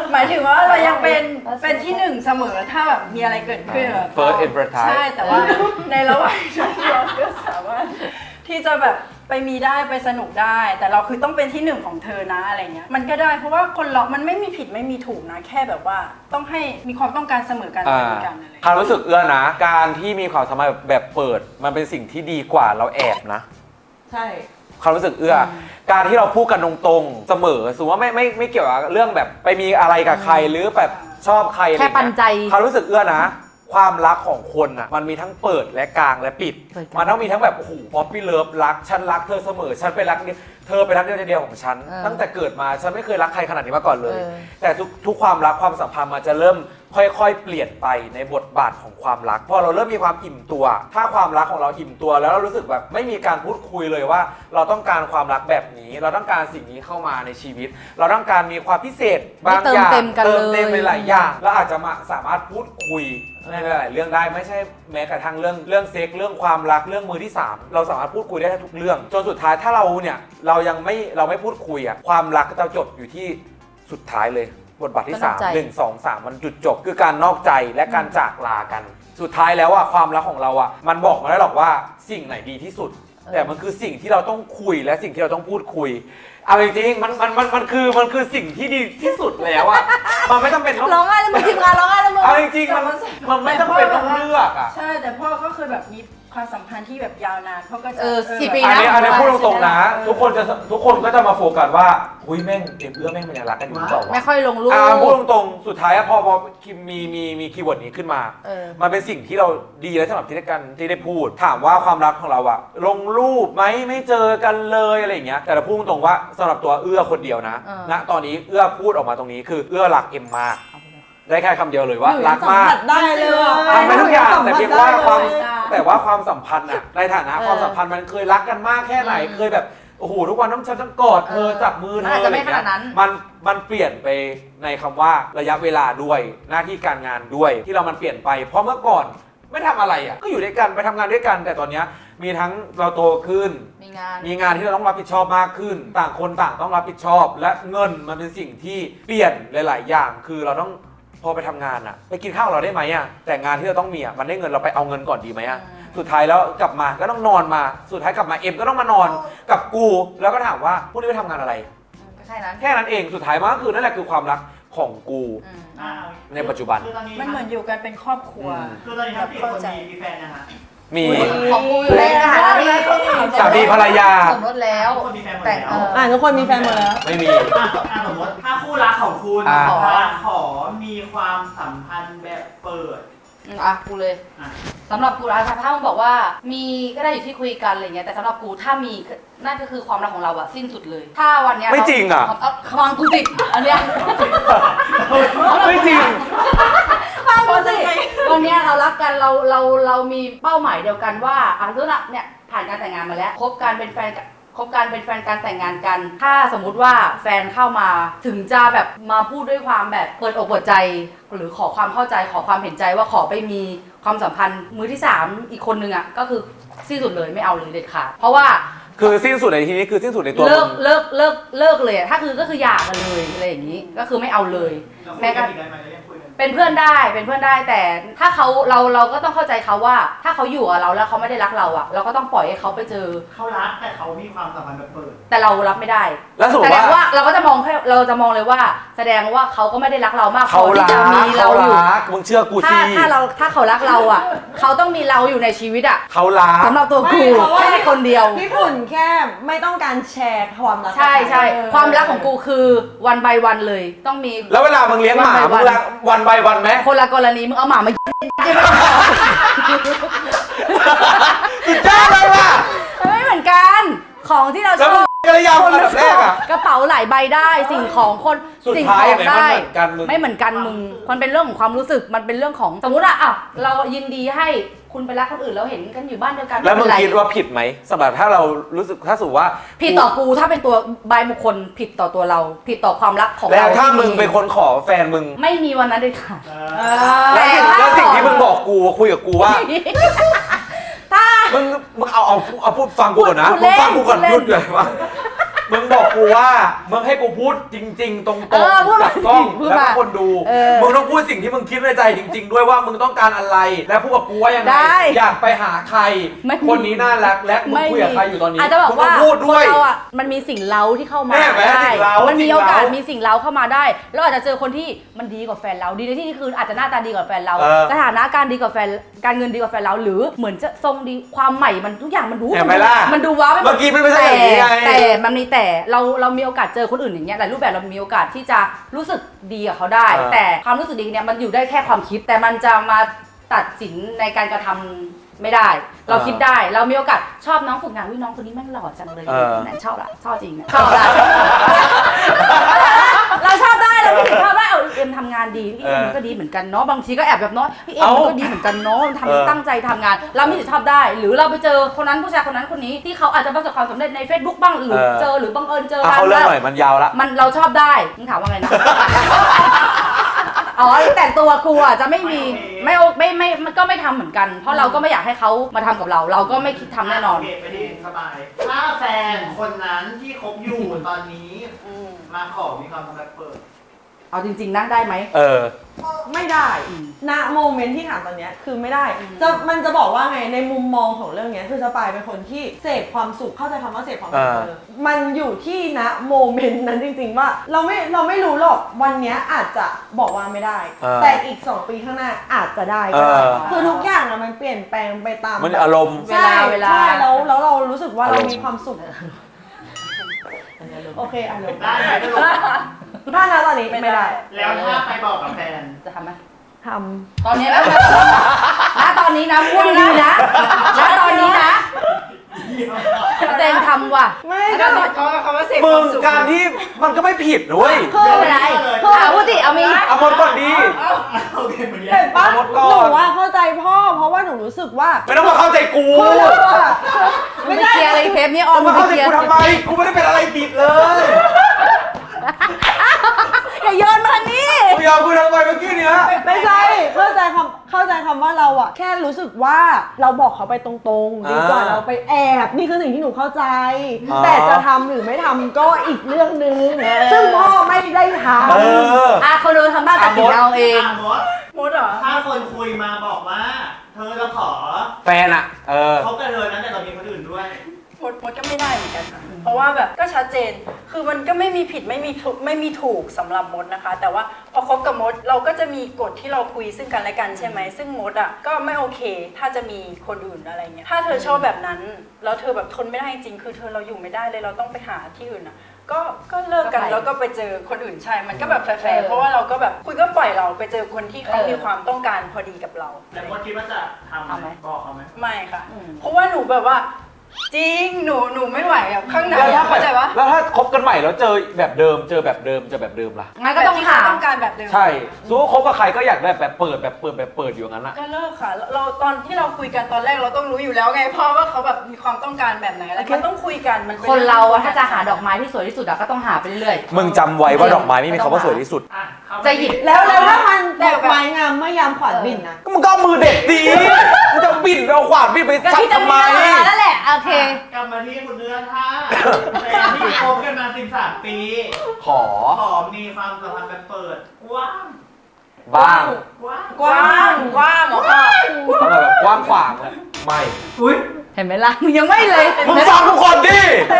[SPEAKER 5] หมายถึงว่าเรายังเป็นเป็นที่หนึ่งเสมอถ้าแบบมีอะไรเกิดขึ้นแบบ
[SPEAKER 1] First advertise
[SPEAKER 5] ใช่แต่ว่าในระหว่างนั้นเราก็สามารถที่จะแบบไปมีได้ไปสนุกได้ แต่เราคือต้องเป็นที่หนึ่งของเธอนะอะไรเงี้ยมันก็ได้เพราะว่าคนเรา มันไม่มีผิดไม่มีถูกนะแค่แบบว่าต้องให้มีความต้องการเสมอกันเหมือนกันอะไร
[SPEAKER 1] ความรู้สึกเอื้อนะ การที่มีความสัมพันธ์แบบเปิด มันเป็นสิ่งที่ดีกว่าเราแอบนะ
[SPEAKER 4] ใช่
[SPEAKER 1] ความรู้สึกเอื้ออการที่เราพูดกันตรงๆเสมอสมมติว่าไม่ไม่ไม่เกี่ยวกับเรื่องแบบไปมีอะไรกับใครหรือแบบชอบใครอะไร
[SPEAKER 2] แค่
[SPEAKER 1] เงี้ย
[SPEAKER 2] ปันใจ
[SPEAKER 1] ความรู้สึกเอื้อนะ ความรักของคนอ่ะมันมีทั้งเปิดและกลางและปิด
[SPEAKER 2] เปิดกลาง
[SPEAKER 1] มันต้องมีทั้งแบบโอ้โหป๊อปปี้เลิฟรักฉันรักเธอเสมอฉันเป็นรักเดียวเธอเป็นรักเดียวใจเดียวของฉัน
[SPEAKER 2] เออ
[SPEAKER 1] ตั้งแต่เกิดมาฉันไม่เคยรักใครขนาดนี้มาก่อนเลย
[SPEAKER 2] เออ
[SPEAKER 1] แต่ทุกทุกความรักความสัมพันธ์มันจะเริ่มค่อยๆ เปลี่ยนไปในบทบาทของความรักพอเราเริ่มมีความอิ่มตัว ถ้าความรักของเราอิ่มตัวแล้วเรารู้สึกแบบไม่มีการพูดคุยเลยว่า เราต้องการความรักแบบนี้ เราต้องการสิ่งนี้เข้ามาในชีวิต เราต้องการมีความพิเศษบางอย่าง
[SPEAKER 2] เติมเต็มกัน
[SPEAKER 1] เติมเต็ม
[SPEAKER 2] เลย
[SPEAKER 1] หลายๆอย่างเราอาจจะมาสามารถพูดคุยในหลายๆเรื่องได้ไม่ใช่แม้กระทั่งเรื่องเรื่องเซ็กเรื่องความรักเรื่องมือที่สามเราสามารถพูดคุยได้ทุกเรื่อง จนสุดท้ายถ้าเราเนี่ยเรายังไม่เราไม่พูดคุยอะความรักก็จะจบอยู่ที่สุดท้ายเลยบทบาทที่
[SPEAKER 2] ก็น
[SPEAKER 1] สา
[SPEAKER 2] อก
[SPEAKER 1] ม
[SPEAKER 2] ใจ
[SPEAKER 1] หนึ่งสองสามมันจุดจบคือการนอกใจและการจากลากัน สุดท้ายแล้วอะความรักของเราอะมันบอกมาได้หรอกว่าสิ่งไหนดีที่สุด แต่มันคือสิ่งที่เราต้องคุยและสิ่งที่เราต้องพูดคุยเอาจริงๆมันมันมันมันคือมันคือสิ่งที่ดีที่สุดแล้วอะมันไม่จำเป็นต้อง
[SPEAKER 2] ร้องไห้แล้วมึงทีมงานร้องไห้แล้วมึง
[SPEAKER 1] เอาจริงๆมันมันไม่จำเป็นต้องเลือกอะ
[SPEAKER 5] ใช่แต่พ่อก็เคยแบบมีความสัมพันธ์ที่แบบยาวนานพ่อก็จะ
[SPEAKER 2] เออกี่ปี
[SPEAKER 1] อันนี้อันนี้พูดตรงๆนะ
[SPEAKER 5] เออ
[SPEAKER 1] ทุกคนจะทุกคนก็จะมาโฟกัสว่าหุ้ยแม่งเอ็มเอื้อแม่งมันยังรักกันอยู่หรือเปล่าวะ
[SPEAKER 2] ไม่ค่อยลงรูป
[SPEAKER 1] อ่าพูดตรงๆสุดท้ายอะพอพอมีมีมีคีย์เวิร์ดนี้ขึ้นมา
[SPEAKER 2] เออ
[SPEAKER 1] มันเป็นสิ่งที่เราดีแล้วสำหรับที่ได้กันที่ได้พูด ถามว่าความรักของเราอะลงรูปไหมไม่เจอกันเลยอะไรอย่างเงี้ยแต่เราพูดตรงๆว่าสำหรับตัวเอื้อคนเดียวนะ
[SPEAKER 2] เออ
[SPEAKER 1] ณตอนนี้เอื้อพูดออกมาตรงนี้คือเอื้อรักเอ็มมากได้แค่คำเดียวเลยว่า
[SPEAKER 4] หนู
[SPEAKER 1] รักมาก
[SPEAKER 4] สัผัสได้เลย
[SPEAKER 1] ทำไปทุกอย่างแต่เพียงว่าความ
[SPEAKER 4] สัมผัสได้เลย
[SPEAKER 1] แต่ว่าความสัมพันธ์อะในฐานะ
[SPEAKER 2] เออ
[SPEAKER 1] ความสัมพันธ์มันเคยรักกันมากแค่ไหน
[SPEAKER 2] อืม
[SPEAKER 1] เคยแบบโอ้โหทุกวันต้องฉันต้องกอดเธอ
[SPEAKER 2] เออ
[SPEAKER 1] จับมือเธ
[SPEAKER 2] มัน
[SPEAKER 1] อ
[SPEAKER 2] อาจจะไม่
[SPEAKER 1] อะไรเงี้ย
[SPEAKER 2] ขนาดนั้น
[SPEAKER 1] มันมันเปลี่ยนไปในคำว่าระยะเวลาด้วยหน้าที่การงานด้วยที่เรามันเปลี่ยนไป เพราะเมื่อก่อนไม่ทำอะไรอะก็อยู่ด้วยกันไปทำงานด้วยกัน แต่ตอนเนี้ยมีทั้งเราโตขึ้น
[SPEAKER 2] มีงาน
[SPEAKER 1] มีงานที่เราต้องรับผิดชอบมากขึ้น ต่างคนต่างต้องรับผิดชอบ และเงินมันเป็นสิ่งที่เปลี่ยนหลาย ๆ อย่าง คือเราต้องพอไปทำงานอะไปกินข้าวเราได้ไหมอะแต่งานที่เราต้องมีอะมันได้เงินเราไปเอาเงินก่อนดีไหมอะสุดท้ายแล้วกลับมาก็ต้องนอนมาสุดท้ายกลับมาเอ็มก็ต้องมานอนกับกูแล้วก็ถามว่าพวกนี้ไปทำงานอะไร
[SPEAKER 2] ก็แค่นั้น
[SPEAKER 1] แค่นั้นเองสุดท้ายมันก็คือนั่นแหละคือความรักของกู
[SPEAKER 2] อืม
[SPEAKER 3] อ่า
[SPEAKER 1] ในปัจจุบัน
[SPEAKER 3] คือตอนนี้
[SPEAKER 5] มันเหมือนอยู่กันเป็นครอบครัว
[SPEAKER 1] อืม
[SPEAKER 3] คือตอนนี้ทั้งสี่คนมีมีแฟนนะฮะ
[SPEAKER 1] มี
[SPEAKER 2] ของกูอยู่ในสถานะที่
[SPEAKER 1] สามีภรรยา
[SPEAKER 2] สมรสแล้ว
[SPEAKER 3] ทุกคนมีแฟนหมด
[SPEAKER 2] แต่ง
[SPEAKER 3] แล้ว
[SPEAKER 2] เออ
[SPEAKER 4] อ่ะทุกคนมีแฟนหมดแล้ว
[SPEAKER 1] ไม่มี
[SPEAKER 3] อ่ะอ่ะสมมติถ้าคู่รักของคุณ
[SPEAKER 1] อ่า
[SPEAKER 3] ขอขอมีความสัมพันธ์แบบเปิด
[SPEAKER 2] อืมอ่ะกูเลย
[SPEAKER 3] อ่ะ
[SPEAKER 2] สำหรับกูนะถ้ามึงบอกว่ามีก็ได้อยู่ที่คุยกันอะไรเงี้ยแต่สำหรับกูถ้ามีนั่นก็คือความรักของเราอะสิ้นสุดเลย ถ้าวันเนี้ย
[SPEAKER 1] ไม่จริงอะ
[SPEAKER 2] เาฟังกูสิอันเนี้ย
[SPEAKER 1] ไม่จริง
[SPEAKER 2] ฟังกูสิวันเนี้ยเรารักกันเราเราเรามีเป้าหมายเดียวกันว่าอ่ะรู้ละเนี่ยผ่านการแต่งงานมาแล้วคบกันเป็นแฟนกันคบกันเป็นแฟนการแต่งงานกัน ถ้าสมมุติว่าแฟนเข้ามาถึงจะแบบมาพูดด้วยความแบบเปิดอกเปิดใจ หรือขอความเข้าใจขอความเห็นใจว่าขอไปมีความสัมพันธ์มือที่สามอีกคนนึงอ่ะก็คือสิ้นสุดเลยไม่เอาเลยเด็ดขาดเพราะว่า
[SPEAKER 1] คือสิ้นสุดในที่นี้คือสิ้นสุดในตัว
[SPEAKER 2] เลิ
[SPEAKER 1] มึ
[SPEAKER 2] ก
[SPEAKER 1] ง
[SPEAKER 2] เลิกเลิกเลิกเลยอะถ้าคือก็คือหย่ากันเลยอะไรอย่างนี้ก็คือไม่เอาเลย
[SPEAKER 3] เราคุ
[SPEAKER 2] แม้
[SPEAKER 3] ย
[SPEAKER 2] ก
[SPEAKER 3] กั
[SPEAKER 2] ระ
[SPEAKER 3] นอีกได้ไหมเรายังคุยกัน
[SPEAKER 2] เป็นเพื่อนได้เป็นเพื่อนได้แต่ถ้าเขาเราเราก็ต้องเข้าใจเขาว่า ถ้าเขาอยู่กับเราแล้วเขาไม่ได้รักเราอ่ะ เราก็ต้องปล่อยให้เขาไปเจอ
[SPEAKER 3] เขารักแต่เขามีความสัมพันธ์แบบเปิด
[SPEAKER 2] แต่เรารับไม่ได้
[SPEAKER 1] แล้วสมม
[SPEAKER 2] แส
[SPEAKER 1] ติ
[SPEAKER 2] ดง
[SPEAKER 1] ว่า
[SPEAKER 2] ว่าเราก็จะมองแค่เราจะมองเลยว่า แสดงว่าเขาก็ไม่ได้รักเรามากพ
[SPEAKER 1] เขา
[SPEAKER 2] อที่
[SPEAKER 1] รั
[SPEAKER 2] จะ
[SPEAKER 1] ก
[SPEAKER 2] มี
[SPEAKER 1] เขา
[SPEAKER 2] เราอยู่
[SPEAKER 1] รักมึงเชื่อกู
[SPEAKER 2] ถ้า
[SPEAKER 1] สิ
[SPEAKER 2] ถ้าเราถ้าเขารักเราอ่ะ เขาต้องมีเราอยู่ในชีวิตอ่ะ
[SPEAKER 1] เขารัก
[SPEAKER 2] สำหรับตัวกู
[SPEAKER 4] ไม่เพราะว่า
[SPEAKER 2] แค่คนเดียว
[SPEAKER 4] พี่ปุ่นแค่ไม่ต้องการแชร์ความรัก
[SPEAKER 2] ใช่ใช่
[SPEAKER 4] เออ
[SPEAKER 2] ความรักของกูคือวันบายวันเลย ต้องมี
[SPEAKER 1] แล้วเวลามึงเลี้ยงหมา
[SPEAKER 2] วัน
[SPEAKER 1] มึ
[SPEAKER 2] by
[SPEAKER 1] งรักวันใบวันไหม
[SPEAKER 2] คนละกรณีมึงเอาหมามา
[SPEAKER 1] สุดยอดเลยว่ะ
[SPEAKER 2] ไม่เหมือนกันของที่เราช
[SPEAKER 1] แล้ว
[SPEAKER 2] อ
[SPEAKER 1] มึ
[SPEAKER 2] บ
[SPEAKER 1] งกระยำอันดับแรกอ่ะ
[SPEAKER 2] กระเป๋าหลายใบได้สิ่งของคน
[SPEAKER 1] สุด
[SPEAKER 2] สิ่ง
[SPEAKER 1] ท้า
[SPEAKER 2] ข
[SPEAKER 1] ย
[SPEAKER 2] อง
[SPEAKER 1] ไหนมัน
[SPEAKER 2] ได้
[SPEAKER 1] เหมือนกันมึง
[SPEAKER 2] ไม่เหมือนกันมึงมันเป็นเรื่องของความรู้สึกมันเป็นเรื่องของสมมติอะอ่ะเรายินดีให้คุณไปรักคนอื่นแล้วเห็นกันอยู่บ้านเดียวกัน
[SPEAKER 1] แล้วมึง
[SPEAKER 2] ไเป็นไร
[SPEAKER 1] คิดว่าผิดไหมสำหรับถ้าเรารู้สึกถ้าสมมติว่า
[SPEAKER 2] ผิดต่อกูถ้าเป็นตัวใบบุคคลผิดต่อตัวเรา ผิดต่อความรักของ
[SPEAKER 1] แล้ว
[SPEAKER 2] เรา
[SPEAKER 1] ถ้า
[SPEAKER 2] ที่
[SPEAKER 1] มึงเป็นคนขอแฟนมึง
[SPEAKER 2] ไม่มีวันนั้นเลยค่ะ
[SPEAKER 3] เอ
[SPEAKER 4] เอ
[SPEAKER 3] อ
[SPEAKER 4] อ
[SPEAKER 2] แต่
[SPEAKER 1] แล้ว
[SPEAKER 2] ถ้า
[SPEAKER 1] สิ่งที่มึงบอกกูคุยกับกูว่า
[SPEAKER 2] ถ้า
[SPEAKER 1] มึงมึงเอาเอาเอาพูดฟังกูก่อนนะ
[SPEAKER 2] พูด
[SPEAKER 1] มึงฟังกูก่อน
[SPEAKER 2] เล่น
[SPEAKER 1] พูดเลยว่ามึงบอกกูว่ามึงให้กูพูดจริง ๆ ตรง
[SPEAKER 2] เออพูด
[SPEAKER 1] ๆ
[SPEAKER 2] มา
[SPEAKER 1] กับกล้อง
[SPEAKER 2] พูด
[SPEAKER 1] แล้ว
[SPEAKER 2] มา
[SPEAKER 1] ก็คนดู
[SPEAKER 2] เออ
[SPEAKER 1] มึงต้องพูดสิ่งที่มึงคิดในใจจริง ๆ ด้วยว่ามึงต้องการอะไร และพูดกับกูว่ายังไง
[SPEAKER 2] ได้
[SPEAKER 1] อยากไปหาใคร
[SPEAKER 2] ไม่มี
[SPEAKER 1] คนนี้น่ารักและมึงคุยกับใครอยู่ตอนนี้
[SPEAKER 2] อาจจะบอก
[SPEAKER 1] มึง
[SPEAKER 2] ว่า
[SPEAKER 1] ต้องพูด
[SPEAKER 2] ค
[SPEAKER 1] ด้วน ย
[SPEAKER 2] เราอ่ะมันมีสิ่งเล้าที่เข้ามา
[SPEAKER 1] แม่แม่
[SPEAKER 2] ได้
[SPEAKER 1] สิ่งเร้า
[SPEAKER 2] มันมี
[SPEAKER 1] สิ่ง
[SPEAKER 2] โอกาส
[SPEAKER 1] เร้ามี
[SPEAKER 2] มีสิ่งเล้าเข้ามาได้แล้วอาจจะเจอคนที่มันดีกว่าแฟนเราดีในที่นี้คืออาจจะหน้าตาดีกว่าแฟนเรา
[SPEAKER 1] เออ
[SPEAKER 2] สถานะการดีกว่าแฟนการเงินดีกว่าแฟนเราหรือเหมือนจะทรงดีความใหม่มันทุกอย่างมันดู
[SPEAKER 1] เห็นไหมล่ะ
[SPEAKER 2] มันดูว้าวไปหม
[SPEAKER 1] เมื่
[SPEAKER 2] ด
[SPEAKER 1] อกี้มันไม่ใช่อย่างนี้ไง
[SPEAKER 2] แต่แต่มันมีแต่เราเรามีโอกาสเจอคนอื่นอย่างเงี้ยหลายรูปแบบเรามีโอกาสที่จะรู้สึกดีกับเขาได้
[SPEAKER 1] เออ
[SPEAKER 2] แต่ความรู้สึกดีเนี่ยมันอยู่ได้แค่ความคิด แต่มันจะมาตัดสินในการกระทำไม่ได้ เราคิดได้เรามีโอกาสชอบน้องฝึกงานวิน้องคนนี้แม่งหล่อจังเลย
[SPEAKER 1] เออ
[SPEAKER 2] นั่นชอบละชอบจริงนะชอบละ เราชอบได้เราไม่ถึงชอบได้เอาเอ็มทำงานดีพี่เอ็มมันก็ดีเหมือนกันเนาะบางทีก็แอบแบบเนาะพี่เอ็มมันก็ดีเหมือนกันเนาะ
[SPEAKER 1] เออ
[SPEAKER 2] ทำตั้งใจทำงาน เราไม่ถึงชอบได้ หรือเราไปเจอคนนั้นผู้ชายคนนั้นคนนี้ที่เขาอาจจะประสบความสำเร็จใน Facebook บ้างหรือเจอหรือบังเอิญเจอ
[SPEAKER 1] เอา
[SPEAKER 2] กัน
[SPEAKER 1] เขาเรื่อง
[SPEAKER 2] แล้ว
[SPEAKER 1] หน่อยมันยาวละ
[SPEAKER 2] มันเราชอบได้มึงถามว่าไงนะ อ๋อแต่ตัวกูอ่ะจะไม่มีไม่โอไม่ไม่มันก็ไม่ทำเหมือนกัน เพราะเราก็ไม่อยากให้เขามาทำกับเรา เราก็ไม่คิดทำแน่นอน
[SPEAKER 3] โเคไปที่สบาย ถ้าแฟนคนนั้นที่คบอยู่ตอนนี้ มาขอมีความสัมพันธ์แบบเปิด
[SPEAKER 2] เอาจริงๆนะได้ไหม
[SPEAKER 1] เออ
[SPEAKER 4] ไม่ได้ณโมเมนต์ที่ถามตอนเนี้ยคือไม่ได้จะมันจะบอกว่าไงในมุมมองของเรื่องเนี้ยคือสปายเป็นคนที่เสพความสุขเข้าใจคำว่าเสพความสุข
[SPEAKER 1] อ่า
[SPEAKER 4] เลยมันอยู่ที่ณโมเมนต์นั้นจริงๆว่าเราไม่เราไม่รู้หรอกวันเนี้ยอาจจะบอกว่าไม่ได้
[SPEAKER 1] อ่า
[SPEAKER 4] แต่อีกสองปีข้างหน้าอาจจะได้ก็ได้
[SPEAKER 1] อ่า
[SPEAKER 4] คือทุกอย่างอะมันเปลี่ยนแปลงไปตาม
[SPEAKER 1] มันอารมณ์
[SPEAKER 2] เวลาเวลา
[SPEAKER 4] ใช่แล้วแล้วเรารู้สึกว่า
[SPEAKER 1] อาร
[SPEAKER 4] เรา
[SPEAKER 1] มณ์
[SPEAKER 4] มีความสุขโอเคอารมณ์
[SPEAKER 3] ได้ไหมก็ลง
[SPEAKER 4] ถ้าณตอนนี้ไม่ได้
[SPEAKER 3] แล้วถ้าไปบอกกับแฟน
[SPEAKER 2] จะทำไหม
[SPEAKER 4] ท
[SPEAKER 2] ตอนนี้นะณตอนนี้นะพูดดีๆนะณตอนนี้นะเต็งทำว่ะ
[SPEAKER 4] ำไม่
[SPEAKER 5] ก็
[SPEAKER 4] ก็
[SPEAKER 5] สอดคล้องกับคำว่าเสพค
[SPEAKER 1] มึ
[SPEAKER 5] วาง มสุข
[SPEAKER 1] การที่มันก็ไม่ผิดนะเว้ย
[SPEAKER 2] คืออะไรคือหาพูดดิเอามี
[SPEAKER 1] เอาหมดก่อนดี
[SPEAKER 3] โอเคเหมือนกั
[SPEAKER 4] เห็
[SPEAKER 3] น
[SPEAKER 4] นปะ
[SPEAKER 1] เอาหมดก่อน
[SPEAKER 4] หนูว่าเข้าใจพ่อ เพราะว่าหนูรู้สึกว่า
[SPEAKER 1] ไม่ต้องมาเข้าใจกู
[SPEAKER 4] คือเราอะ
[SPEAKER 2] มึงไปเคลียร์อะไรเทปนี้ออม
[SPEAKER 1] มา
[SPEAKER 2] ไป
[SPEAKER 1] เข้าใจ
[SPEAKER 2] เคลียร์
[SPEAKER 1] กูทำไม กูไม่ได้เป็นอะไรผิดเลย
[SPEAKER 2] อย่าโยนมาทางนี้
[SPEAKER 1] กูยอมกูทำไมเมื่อกี้เนี้ย
[SPEAKER 4] ไม่ใช่เข้าใจคำเข้าใจคำว่าเราอะแค่รู้สึกว่าเราบอกเขาไปตรงๆ ดีกว่า
[SPEAKER 1] อ่า
[SPEAKER 4] เราไปแอบ นี่คือสิ่งที่หนูเข้าใจ
[SPEAKER 1] อ่า
[SPEAKER 4] แต่จะทำหรือไม่ทำก็อีกเรื่องหนึ่งซึ่งพ่อไม่ได้ท
[SPEAKER 1] เออ
[SPEAKER 2] อ่ะคนดูทำบ้านตัดสินเอาเอง
[SPEAKER 3] อ่ะมด
[SPEAKER 5] มดเหรอ
[SPEAKER 3] ถ้าคนคุยมาบอกว่า เธอจะขอ
[SPEAKER 1] แฟนอะเออ
[SPEAKER 3] เขากับเธอนั้นแต่เรามีคนอื่นด้วย
[SPEAKER 5] มดมดก็ไม่ได้เหมือนกันค่ะเพราะว่าแบบก็ชัดเจน คือมันก็ไม่มีผิดไม่มีถูกไม่มีถูกสำหรับมดนะคะ แต่ว่าพอคบกับมดเราก็จะมีกฎที่เราคุยซึ่งกันและกันใช่ไหม ซึ่งมดอ่ะก็ไม่โอเค ถ้าจะมีคนอื่นอะไรเงี้ย ถ้าเธอชอบแบบนั้น แล้วเธอแบบทนไม่ได้จริง คือเธอเราอยู่ไม่ได้เลย เราต้องไปหาที่อื่นอ่ะ ก็ก็เลิกกัน
[SPEAKER 2] ก็ไป
[SPEAKER 5] แล้วก็ไปเจอคนอื่นใช่ มันก็แบบแฟ
[SPEAKER 2] เอ
[SPEAKER 5] ร์
[SPEAKER 2] อ
[SPEAKER 5] ๆเพราะว่าเราก็แบบคุยก็ปล่อยเราไปเจอคนที่เขา
[SPEAKER 2] เออ
[SPEAKER 5] มีความต้องการพอดีกับเรา
[SPEAKER 3] แต่มดคิดว่าจะทำ
[SPEAKER 2] ทำไหม
[SPEAKER 3] บอกเขาไหม
[SPEAKER 5] ไม่ค่ะ
[SPEAKER 2] อืม
[SPEAKER 5] เพราะว่าหนูแบบว่า จริง หนูหนูไม่ไหวแบบข้างใน
[SPEAKER 1] แล้วถ้า
[SPEAKER 5] เข้าใจปะ
[SPEAKER 1] แล้วถ้าคบกันใหม่แล้วเจอแบบเดิม เจอแบบเดิม เจอแบบเดิมล่ะ
[SPEAKER 2] งั้นก็ต้อง
[SPEAKER 5] แบบที่
[SPEAKER 2] ถาม
[SPEAKER 5] เขต้องการแบบเดิม
[SPEAKER 1] ใช่สู้คบกับใครก็อยากได้แบบเปิดแบบเปิดแบบเปิดอยู่อย่างนั้นอะ
[SPEAKER 5] ก็เลิกค่ะ เราตอนที่เราคุยกันตอนแรกเราต้องรู้อยู่แล้วไงเพราะว่าเขาแบบมีความต้องการแบบไหนอะไรมันต้องคุยกันมันป็
[SPEAKER 2] คนเราอะ
[SPEAKER 5] อง
[SPEAKER 2] ถ้าจะหาดอกไม้ที่สวยที่สุดอะก็ต้องหาไปเรื่อยๆ
[SPEAKER 1] มึงจำไว้ว่าดอกไม้ไม่มีคำว่าสวยที่สุด
[SPEAKER 3] อ่ะเข้ามา
[SPEAKER 2] จะหยิบ
[SPEAKER 4] ำแล้วแล้วถ้ามันดอกไม้งามเมื่อยามขวัญบินนะ
[SPEAKER 1] ก็มึงก็เอามือเด็ดดีมึงจะบินเอาขวานบินไป
[SPEAKER 2] ก็
[SPEAKER 1] สับ
[SPEAKER 2] ที่จะ
[SPEAKER 1] ทำ
[SPEAKER 2] มี
[SPEAKER 1] ไม
[SPEAKER 2] เวลาแล้วแหละโอเค
[SPEAKER 3] กลับมาที่คุณเนื้อท่าแฟนที่คบกันมาสิบสามปี
[SPEAKER 1] ขอ
[SPEAKER 3] ขอมีความสัมพันธ์แบบเปิดกว้าง
[SPEAKER 1] บ้าง
[SPEAKER 3] กว้าง
[SPEAKER 5] กว้างกว้างเหรอพ่อ
[SPEAKER 1] ต้องแบบกว้างขวางเลยไม่
[SPEAKER 3] อุ้ย
[SPEAKER 2] เห็นไหมล่ะมึงยังไม่เลย
[SPEAKER 1] มึงฟังทุกคนดิ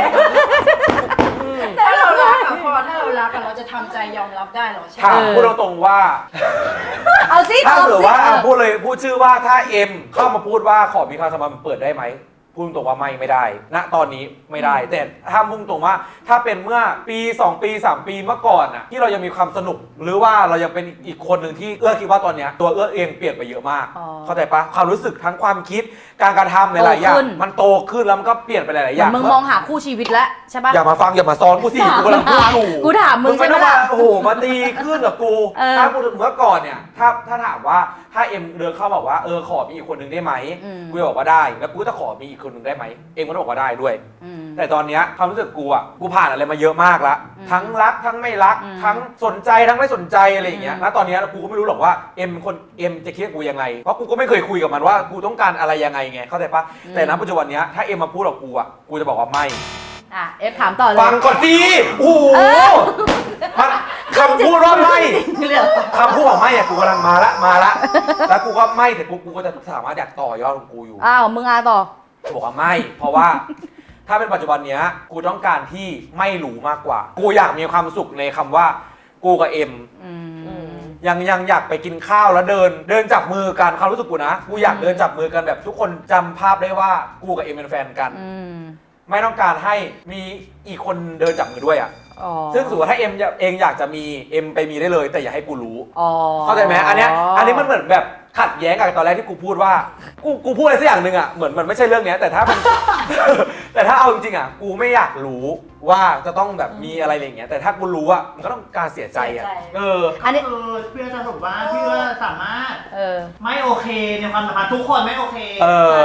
[SPEAKER 5] ถ้าเรารักอะพ่อถ้าเรารักอะเราจะทำใจยอมรับได้เหรอใช่ไหม
[SPEAKER 1] ถามพูดตรงๆว่า
[SPEAKER 2] เอาสิ
[SPEAKER 1] ถ้า
[SPEAKER 2] เอา
[SPEAKER 1] เกิด
[SPEAKER 2] สิ
[SPEAKER 1] ว่า
[SPEAKER 2] เอ
[SPEAKER 1] อ่ะ
[SPEAKER 2] อ
[SPEAKER 1] พูดเลยพูดชื่อว่าถ้าเอ็มเข้ามาพูดว่าขอมีความสัมพันธ์เปิดได้ไหมพูดตรงว่าไม่ไม่ได้ ณตอนนี้ไม่ได้ แต่ถ้าพุ่งตรงว่าถ้าเป็นเมื่อปีสองปีสามปีเมื่อก่อนอ่ะที่เรายังมีความสนุก หรือว่าเรายังเป็นอีกคนหนึ่งที่เอื้อคิดว่าตอนเนี้ยตัวเอื้อเองเปลี่ยนไปเยอะมาก
[SPEAKER 2] อ๋อ
[SPEAKER 1] เข้าใจปะความรู้สึกทั้งความคิดการกระทำหลายๆอย่าง
[SPEAKER 2] โตขึ้น
[SPEAKER 1] มันโตขึ้นแล้วมันก็เปลี่ยนไปหลายๆอย่าง
[SPEAKER 2] มึงมองหาคู่ชีวิตแล้วใช่ปะ
[SPEAKER 1] อย่ามาฟังอย่ามาซ้อนกูสิกูกำลังพูดอยู่
[SPEAKER 2] กูถามมึง
[SPEAKER 1] ไม่
[SPEAKER 2] ใช่ไหม
[SPEAKER 1] ต้องมา
[SPEAKER 2] ล่ะ
[SPEAKER 1] โอ้โหมาตีขึ้นกับกู
[SPEAKER 2] เออ
[SPEAKER 1] ถ้าพูดถึงเมื่อก่อนเนี่ยถ้าถ้าถามว่าถ้าเอ็มเดินเข้าบอกว่าเออขอมีอีกคนหนึ่งได้ไหม
[SPEAKER 2] อืม
[SPEAKER 1] กูจะบอกว่าได้แล้วกูจะขอมีอีกคนหนึ่งได้ไหมเอ็มก็ต้องบอกว่าได้ด้วย
[SPEAKER 2] อืม
[SPEAKER 1] แต่ตอนเนี้ยความรู้สึกกูอ่ะกูผ่านอะไรมาเยอะมากละ
[SPEAKER 2] อืม
[SPEAKER 1] ทั้งรักทั้งไม่รัก
[SPEAKER 2] อืม
[SPEAKER 1] ทั้งสนใจทั้งไม่สนใจอะไรอย่างเงี้ย
[SPEAKER 2] อืม
[SPEAKER 1] ณตอนเนี้ยกูก็ไม่รู้หรอกว่าเอ็มคนเอ็มจะคิดกับกูยังไงเพราะกูก็ไม่เคยคุยกับมันว่ากูต้องการอะไรยังไงไงเข้าใจปะแต่ณปัจจุบันเนี้ยถ้าเอ็มมาพูดกับกูอ่ะกูจะบอกว่าไม่
[SPEAKER 2] อ่ะเอฟถามต่อเลย
[SPEAKER 1] ฟังก่อนสิโอ้โห
[SPEAKER 2] เออ
[SPEAKER 1] มันคำพูดว่าไม่
[SPEAKER 2] เรื่อง
[SPEAKER 1] คำพูดว่าไม่อะกูกำลังมาละมาละแล้วกูก็ไม่เสร็จปุ๊บกูก็จะสามารถอยากต่อยอดของกูอยู่
[SPEAKER 2] อ้าวมึงอาต่อ
[SPEAKER 1] บอกว่าไม่ เพราะว่าถ้าเป็นปัจจุบันเนี้ยกูต้องการที่ไม่รู้มากกว่า กูอยากมีความสุขในคำว่ากูกับเอ็ม
[SPEAKER 2] อืม
[SPEAKER 1] ยังยังอยากไปกินข้าวแล้วเดิน เดินจับมือกันความรู้สึกกูนะกูอยาก
[SPEAKER 2] อืม
[SPEAKER 1] เดินจับมือกันแบบทุกคนจำภาพได้ว่ากูกับเอ็มเป็นแฟนกัน
[SPEAKER 2] อืม
[SPEAKER 1] ไม่ต้องการให้มีอีกคนเดินจับมือด้วยอ่ะ
[SPEAKER 2] อ๋อ
[SPEAKER 1] ซึ่งสมมติว่าถ้าเอ็มเองอยากจะมีเอ็มไปมีได้เลย แต่อย่าให้กูรู้
[SPEAKER 2] อ๋อ
[SPEAKER 1] เข้าใจไหมอันเนี้ยอันนี้มันเหมือนแบบขัดแย้งกับตอนแรกที่กูพูดว่ากูกูพูดอะไรสักอย่างหนึ่งอ่ะเหมือนมันไม่ใช่เรื่องเนี้ยแต่ถ้ามัน แต่ถ้าเอาจริงๆอ่ะกูไม่อยากรู้ว่าจะต้องแบบมีอะไรอย่างเงี้ยแต่ถ้ากูรู้อ่ะมันก็ต้องการเสียใจอ่ะเออ
[SPEAKER 2] อันนี้
[SPEAKER 3] คือเพื่อนจะบอกว่าเพื่อนสามารถ
[SPEAKER 2] เออ
[SPEAKER 3] ไม่โอเคในความสัมพันธ์ทุกคนไม่โอเค
[SPEAKER 1] เออ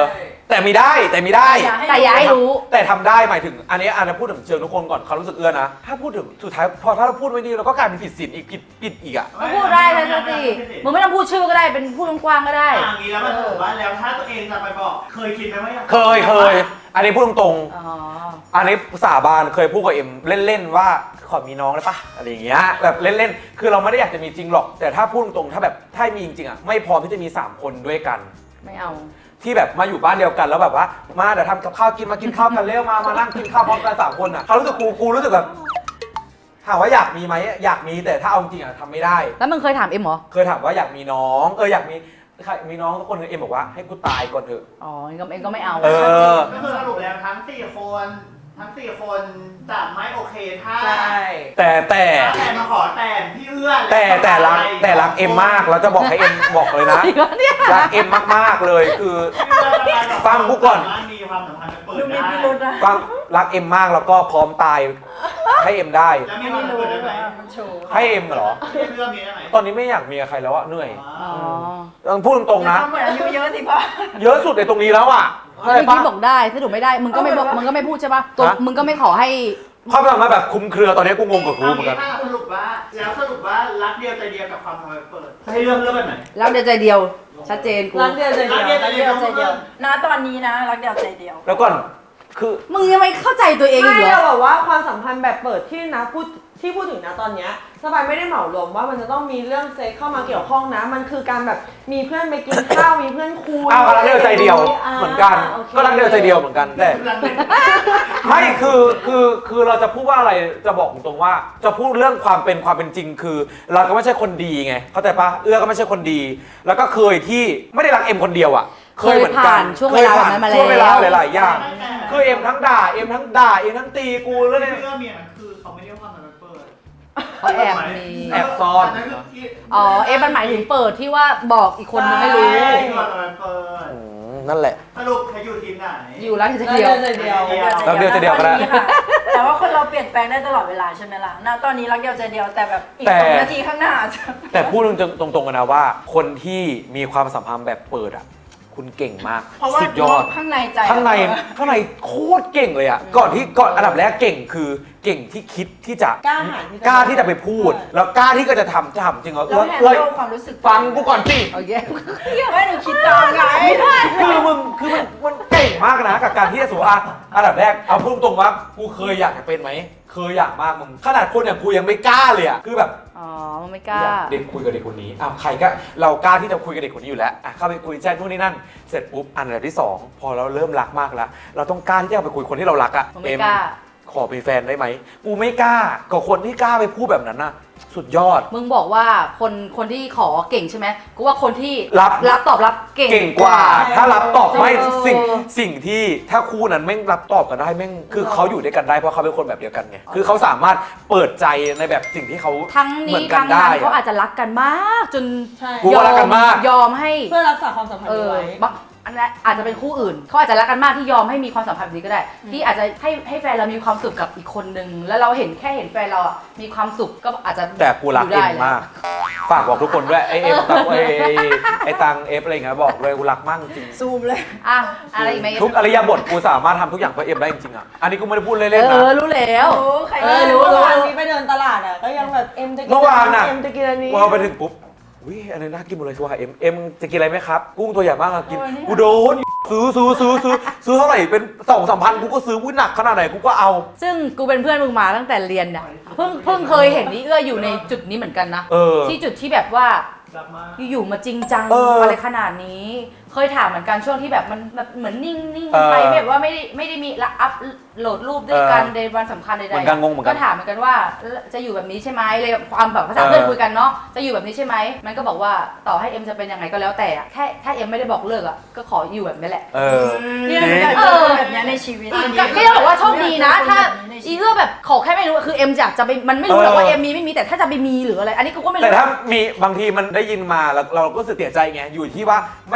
[SPEAKER 1] แต่มีได้แต่มีได้
[SPEAKER 2] แต่อย่าให้รู้
[SPEAKER 1] แต่ทำได้หมายถึงอันนี้อันนี้พูดถึงเชิงทุกคนก่อนเขารู้สึกเอื้อนะถ้าพูดถึงสุดท้ายพอถ้าเราพูดไม่ดีเราก็กลายเป็นผิดศีลอีกผิดผิดอีกอ่ะ
[SPEAKER 2] ก็พูดได้เลยสติมึงไม่ต้องพูดชื่อก็ได้เป็นพูดกว้างๆก็ได้
[SPEAKER 3] อย่างนี้แล้วมันถือว่าแล้วถ้าตัวเองจะไปบอกเคยคิดไหมว่าอยาก
[SPEAKER 1] เคยเคยอันนี้พูดตรง
[SPEAKER 2] อ๋อ
[SPEAKER 1] ๆอันนี้สาบานเคยพูดกับเอ็มเล่นๆว่าขอมีน้องได้ปะอะไรอย่างเงี้ยแบบเล่นๆคือเราไม่ได้อยากจะมีจริงหรอกแต่ถ้าพูดตรงๆถ้าแบบถ้ามีจริงๆอ่ะไม่พร้อมที่จะมีสามคนด้วยกัน
[SPEAKER 2] ไม่เอา
[SPEAKER 1] ที่แบบมาอยู่บ้านเดียวกันแล้วแบบว่ามาเดี๋ยวทำกับข้าวกินมากินข้าวกันเร็วมามานั่งกินข้าวพร้อมกันสามคนอ่ะเขารู้สึกกูกูรู้สึกแบบถามว่าอยากมีไหมอยากมีแต่ถ้าเอาจริงอ่ะทำไม่ได้
[SPEAKER 2] แล้วมึงเคยถามเอ็มเหรอ
[SPEAKER 1] เคยถามว่าอยากมีน้องเอออยากมีใครมีน้องทุกคนเอ็มบอกว่าให้กูตายก่อนเถอะ
[SPEAKER 2] อ๋อเอ็มก็เอ็มก็ไม่เอา
[SPEAKER 1] เออ
[SPEAKER 3] ก็คือสรุปแล้วทั้งสี่คนทั้งสี่คนจะไม่โอเคถ้า
[SPEAKER 4] ใช่
[SPEAKER 1] แต่แต่
[SPEAKER 3] ถ้าแฟนมาขอแต่งพี่เอื้อน
[SPEAKER 1] แต่แต่รักแต่รักเอ็มมากแล้วจะบอกให้เอ็มบอกเลยนะ
[SPEAKER 2] จริงเหรอเนี่ย
[SPEAKER 1] รักเอ็มมากๆเลยคือ ฟังกูก่อน
[SPEAKER 3] มีความสัมพันธ์เปิด
[SPEAKER 5] ดูมี
[SPEAKER 3] ได้
[SPEAKER 5] พิรุธนะ
[SPEAKER 1] ฟังรักเอ็มมากแล้วก็พร้อมตายให้เอ็มได้
[SPEAKER 3] แล้วมี
[SPEAKER 5] ไม่
[SPEAKER 3] ความ
[SPEAKER 5] รู้
[SPEAKER 3] เปิดได้ไหม
[SPEAKER 5] ว่ามันโชว์
[SPEAKER 1] ให้เอ็มเหรอ
[SPEAKER 3] พี่เอื้อนมีได้ไหม
[SPEAKER 1] ตอนนี้ไม่อยากมีกับใครแล้วอะเหนื่อย
[SPEAKER 2] อ๋อ
[SPEAKER 1] ต้องพูดตรงๆนะ
[SPEAKER 5] ทำเหมือนอายุเยอะสิพ่อ
[SPEAKER 1] เยอะสุดในตรงนี้แล้วอ่ะเข้าใจ
[SPEAKER 2] เมื่อ
[SPEAKER 1] ปะ
[SPEAKER 2] กี้บอกได้สรุปไม่ได้ มึงก็ไม่บอก
[SPEAKER 5] เอาไปวะ
[SPEAKER 2] มึงก็ไม่พูดใช่ปะตัว
[SPEAKER 1] ฮะ
[SPEAKER 2] มึงก็ไม่ขอให้
[SPEAKER 1] ความสัมพันธ์แบบคลุมเครือตอนนี้กูงงกับกูเหมือนกัน
[SPEAKER 3] ถ้าสรุปว่าแล้วสรุปว่ารักเดียวใจเดียวกับความสัมพันธ์เปิดให้เลือกเลือกแบบไหน
[SPEAKER 2] แล้วเดียวใจเดียว ชัดเจนกู
[SPEAKER 4] รักเดียวใจเดียว
[SPEAKER 3] รักเดียวใจ
[SPEAKER 5] รักเดียวใจเดียวณตอนนี้นะรักเดียวใจเดียว
[SPEAKER 1] แล้วก่อนคือ
[SPEAKER 2] มึงยังไม่เข้าใจตัวเองอีก
[SPEAKER 4] ไม่
[SPEAKER 2] เหรอ
[SPEAKER 4] เราแบบว่าความสัมพันธ์แบบเปิดที่นะพูดที่พูดถึงนะตอนเนี้ยสบายไม่ได้เหมารวมว่ามันจะต้องมีเรื่องเซ็กเข้ามาเกี่ยวข้องนะ มันคือการแบบมีเพื่อนไปกินข้าวมีเพื่อนคุย
[SPEAKER 1] อ้าวก็รักเดียวใจเดียว
[SPEAKER 4] า
[SPEAKER 1] เหมือนกัน
[SPEAKER 4] โอค
[SPEAKER 1] ก็รักเดียวใจเดียวเหมือนกันแต่ไม่คือคือคือเราจะพูดว่าอะไรจะบอกตรงๆว่า จะพูดเรื่องความเป็นความเป็นจริงคือ เราก็ไม่ใช่คนดีไงเข้าใจปะเอื้อก็ไม่ใช่คนดี แล้วก็เคยที่ไม่ได้รักเอ็มคนเดียวอ่ะเคยเหมือนกัน
[SPEAKER 2] เคยผ่านช่วงเวลาแบบนั้นมาแล้ว
[SPEAKER 1] ช่วงเวลาหลายๆอย่างคือเอ็มทั้งด่าเอ็มทั้งด่าเอ็มทั้งตีกูแล้ว
[SPEAKER 3] พี่
[SPEAKER 1] เนี่ย
[SPEAKER 3] เอื้อนมีมันคือเขาไม่เรียกว่าความสัมพันธ์เปิด
[SPEAKER 2] เขาแอบมี
[SPEAKER 1] แอบซ่อน
[SPEAKER 3] นั้นคือที่
[SPEAKER 2] อ๋อ เอ็มมันหมายถึงเปิดที่ว่าบอกอีกคนนึงไม่รู้
[SPEAKER 3] ใช่ความสัมพันธ์เปิด
[SPEAKER 1] อืมนั่นแหละ
[SPEAKER 3] สรุปใครอยู่ทีมไหน
[SPEAKER 2] อยู่รักเดี
[SPEAKER 4] รัก
[SPEAKER 2] ยว
[SPEAKER 4] เดียวใจเดียว
[SPEAKER 1] รักเดียวใจเดียวก็ได้
[SPEAKER 5] ณตอนนี้ค่ะแต่ว่าคนเราเปลี่ยนแปลงได้ตลอดเวลาใช่ไหมล่ะณตอนนี้รักเดียวใจเดียวแต่แบบอีก
[SPEAKER 1] แต่
[SPEAKER 5] สองนาทีข้างหน้าจะ
[SPEAKER 1] แต่พูดตรงๆกันนะว่า คนที่มีความสัมพันธ์แบบเปิดอ่ะ คุณเก่งมาก
[SPEAKER 5] เพราะว่า
[SPEAKER 1] สุดยอด
[SPEAKER 5] ข้างในใจ
[SPEAKER 1] ข้างในข้างในโคตรเก่งเลยอ่ะก่อนที่ก่อนอันดับแรกเก่งคือเก่งที่คิดที่จะ
[SPEAKER 4] กล้าหาญที่จะ
[SPEAKER 1] กล้าที่จะไปพูด แล้วกล้าที่ก็จะทำจะทำจริงเหรอ
[SPEAKER 5] เราแฮน
[SPEAKER 1] เอ้ย
[SPEAKER 5] ด์ลความรู้สึก
[SPEAKER 1] ฟังกูก่อนสิ
[SPEAKER 2] โอเค
[SPEAKER 5] ไม่หนูคิดตามไง
[SPEAKER 1] คือมึงคือมันมันเก่งมากนะกับการที่จะสูอ่ะอันดับแรกเอาพูดตรงๆว่ากูเคยอยากจะเป็นไหมเคยอยากมากมึงขนาดคนอย่างกูยังไม่กล้าเลยอ่ะคือแบบ
[SPEAKER 2] อ๋อ มันไม่กล้า
[SPEAKER 1] เด็กคุยกับเด็กคนนี้อ้าวใครก็เรากล้าที่จะคุยกับเด็กคนนี้อยู่แล้วอ่ะเข้าไปคุยแจ้งนู่นนี่นั่น เสร็จปุ๊บอันดับที่สองพอเราเริ่มรักมากแล้ว เราต้องกล้าที่จะไปคุยคนที่เรารักอ่ะ
[SPEAKER 2] มันไม่กล้า
[SPEAKER 1] ขอเป็นแฟนได้ไหมกูไม่กล้ากับคนที่กล้าไปพูดแบบนั้นน่ะสุดยอด
[SPEAKER 2] มึงบอกว่าคนคนที่ขอเก่งใช่ไหมกูว่าคนที่
[SPEAKER 1] รับ
[SPEAKER 2] รับตอบรับเก่ง
[SPEAKER 1] เก่งกว่า ถ้ารับตอบไม่
[SPEAKER 2] เออ
[SPEAKER 1] สิ่งสิ่งที่ถ้าคู่นั้นแม่งรับตอบกันได้แม่งคือเขาอยู่ด้วยกันได้เพราะเขาเป็นคนแบบเดียวกันไงคือเขาสามารถเปิดใจในแบบสิ่งที่เขา
[SPEAKER 2] ทั้ง
[SPEAKER 1] เหมื
[SPEAKER 2] นี้
[SPEAKER 1] อนกั
[SPEAKER 2] ทั้
[SPEAKER 1] น
[SPEAKER 2] ง
[SPEAKER 1] ได้
[SPEAKER 2] นั้นเขา
[SPEAKER 1] อะ
[SPEAKER 2] อาจจะรักกันมาก จน
[SPEAKER 4] ใช่
[SPEAKER 1] กูว่ารักกันมาก
[SPEAKER 2] ยอมให้
[SPEAKER 4] เพื่อรักษาความสัมพัน
[SPEAKER 2] เอ
[SPEAKER 4] ธ์
[SPEAKER 2] อ
[SPEAKER 4] ไว้
[SPEAKER 2] บางอันนั้นอาจจะเป็นคู่อื่นเขาอาจจะรักกันมากที่ยอมให้มีความสัมพันธ์แบบนี้ก็ได้ ที่อาจจะให้ให้แฟนเรามีความสุขกับอีกคนนึงแล้วเราเห็นแค่เห็นแฟนเราอ่ะมีความสุขก็อาจจะ
[SPEAKER 1] แต่กูรัก
[SPEAKER 2] ยู่
[SPEAKER 1] เอ็
[SPEAKER 2] ได้
[SPEAKER 1] ม
[SPEAKER 2] แล้ว
[SPEAKER 1] มาก ฝากบอกทุกคนด้วยไอเอ็มตังไอไอตังเอฟอะไรอย่างเงี้ยบอกเลยกูรักมากจริง
[SPEAKER 5] ซูมเลย
[SPEAKER 2] อ่ะอะไรอีกไหม
[SPEAKER 1] ทุกอริยบทกูสามารถทำทุกอย่างเพื่อเอ็มได้จริงๆอ่ะอันนี้กูไม่ได้พูด
[SPEAKER 2] เอ
[SPEAKER 1] เล่นๆ
[SPEAKER 2] อ
[SPEAKER 1] นะ
[SPEAKER 2] รู้แล้ว
[SPEAKER 5] โอ้ใคร
[SPEAKER 2] เอ
[SPEAKER 5] ก็
[SPEAKER 2] อรู้
[SPEAKER 4] เมื่อ
[SPEAKER 2] รู้
[SPEAKER 4] วาน
[SPEAKER 2] รู้
[SPEAKER 4] นี้ไปเดินตลาดอ่ะก็ยังแบบเอ็มจะกิน
[SPEAKER 1] เมื่อวานน่ะ
[SPEAKER 4] เอ็มจะกินอันนี้
[SPEAKER 1] พอไปถึงปุ๊บวิอันนี้น่ากินหมดเลยชัวร์เอ็มเอ็มจะกินอะไรไหมครับกุ้งตัวใหญ่มากอะกินกูโดนซื้อซื้อซื้อซื้อซื้อเท่าไหร่เป็นสองสามพันกูก็ซื้อวุ้ยหนักขนาดไหนกูก็เอา
[SPEAKER 2] ซึ่งกูเป็นเพื่อนมึงมาตั้งแต่เรียนเนี่ยเพิ่งเพิ่งเคยเห็นนี่เอื้ออยู่ในจุดนี้เหมือนกันนะ
[SPEAKER 1] เออ
[SPEAKER 2] ที่จุดที่แบบว่า
[SPEAKER 3] รักมาก
[SPEAKER 2] อยู่ๆมาจริงจัง
[SPEAKER 1] เอออ
[SPEAKER 2] อะไรขนาดนี้ เคยถามเหมือนกันช่วงที่แบบมันแบบเหมือนนิ่งนิ่ง
[SPEAKER 1] เออ
[SPEAKER 2] ไปแบบว่าไม่ได้ไม่ได้มีละอัพโหลดรูปด้วยกัน
[SPEAKER 1] เออ
[SPEAKER 2] ในวันสำคัญใดๆ
[SPEAKER 1] เหมือนกันงงเหมือนกัน
[SPEAKER 2] ก็ถามเหมือนกันว่าจะอยู่แบบนี้ใช่ไหมเลยความแบบภาษา
[SPEAKER 1] เออ
[SPEAKER 2] เพื่อนคุยกันเนาะจะอยู่แบบนี้ใช่ไหมมันก็บอกว่าต่อให้เอ็มจะเป็นยังไงก็แล้วแต่อะแค่ถ้าเอ็มไม่ได้บอกเลิกอ่ะก็ขออยู่แบบนี้แหละ
[SPEAKER 1] เออ
[SPEAKER 5] เนี่ยหนูอยากเจอคนแบบเนี้ยในชีวิต
[SPEAKER 2] ก็ก็ยังบอกว่าโชคดีนะ ถ้า
[SPEAKER 5] อี
[SPEAKER 2] อีเอื้อแบบขอแค่ไม่รู้คือเอ็มอยากจะไปมันไม่รู้หรอกว่าเอ็มมีไม่มีแต่ถ้าจะไปมีหรืออะไร อันนี้กูก็ไม่
[SPEAKER 1] แต่
[SPEAKER 2] รู้
[SPEAKER 1] ถ้ามีบางทีมันได้ยินมาแล้วเราก็รู้สึกเสียใจไงอยู่ที่ว่าไม่ต้องได้ยิน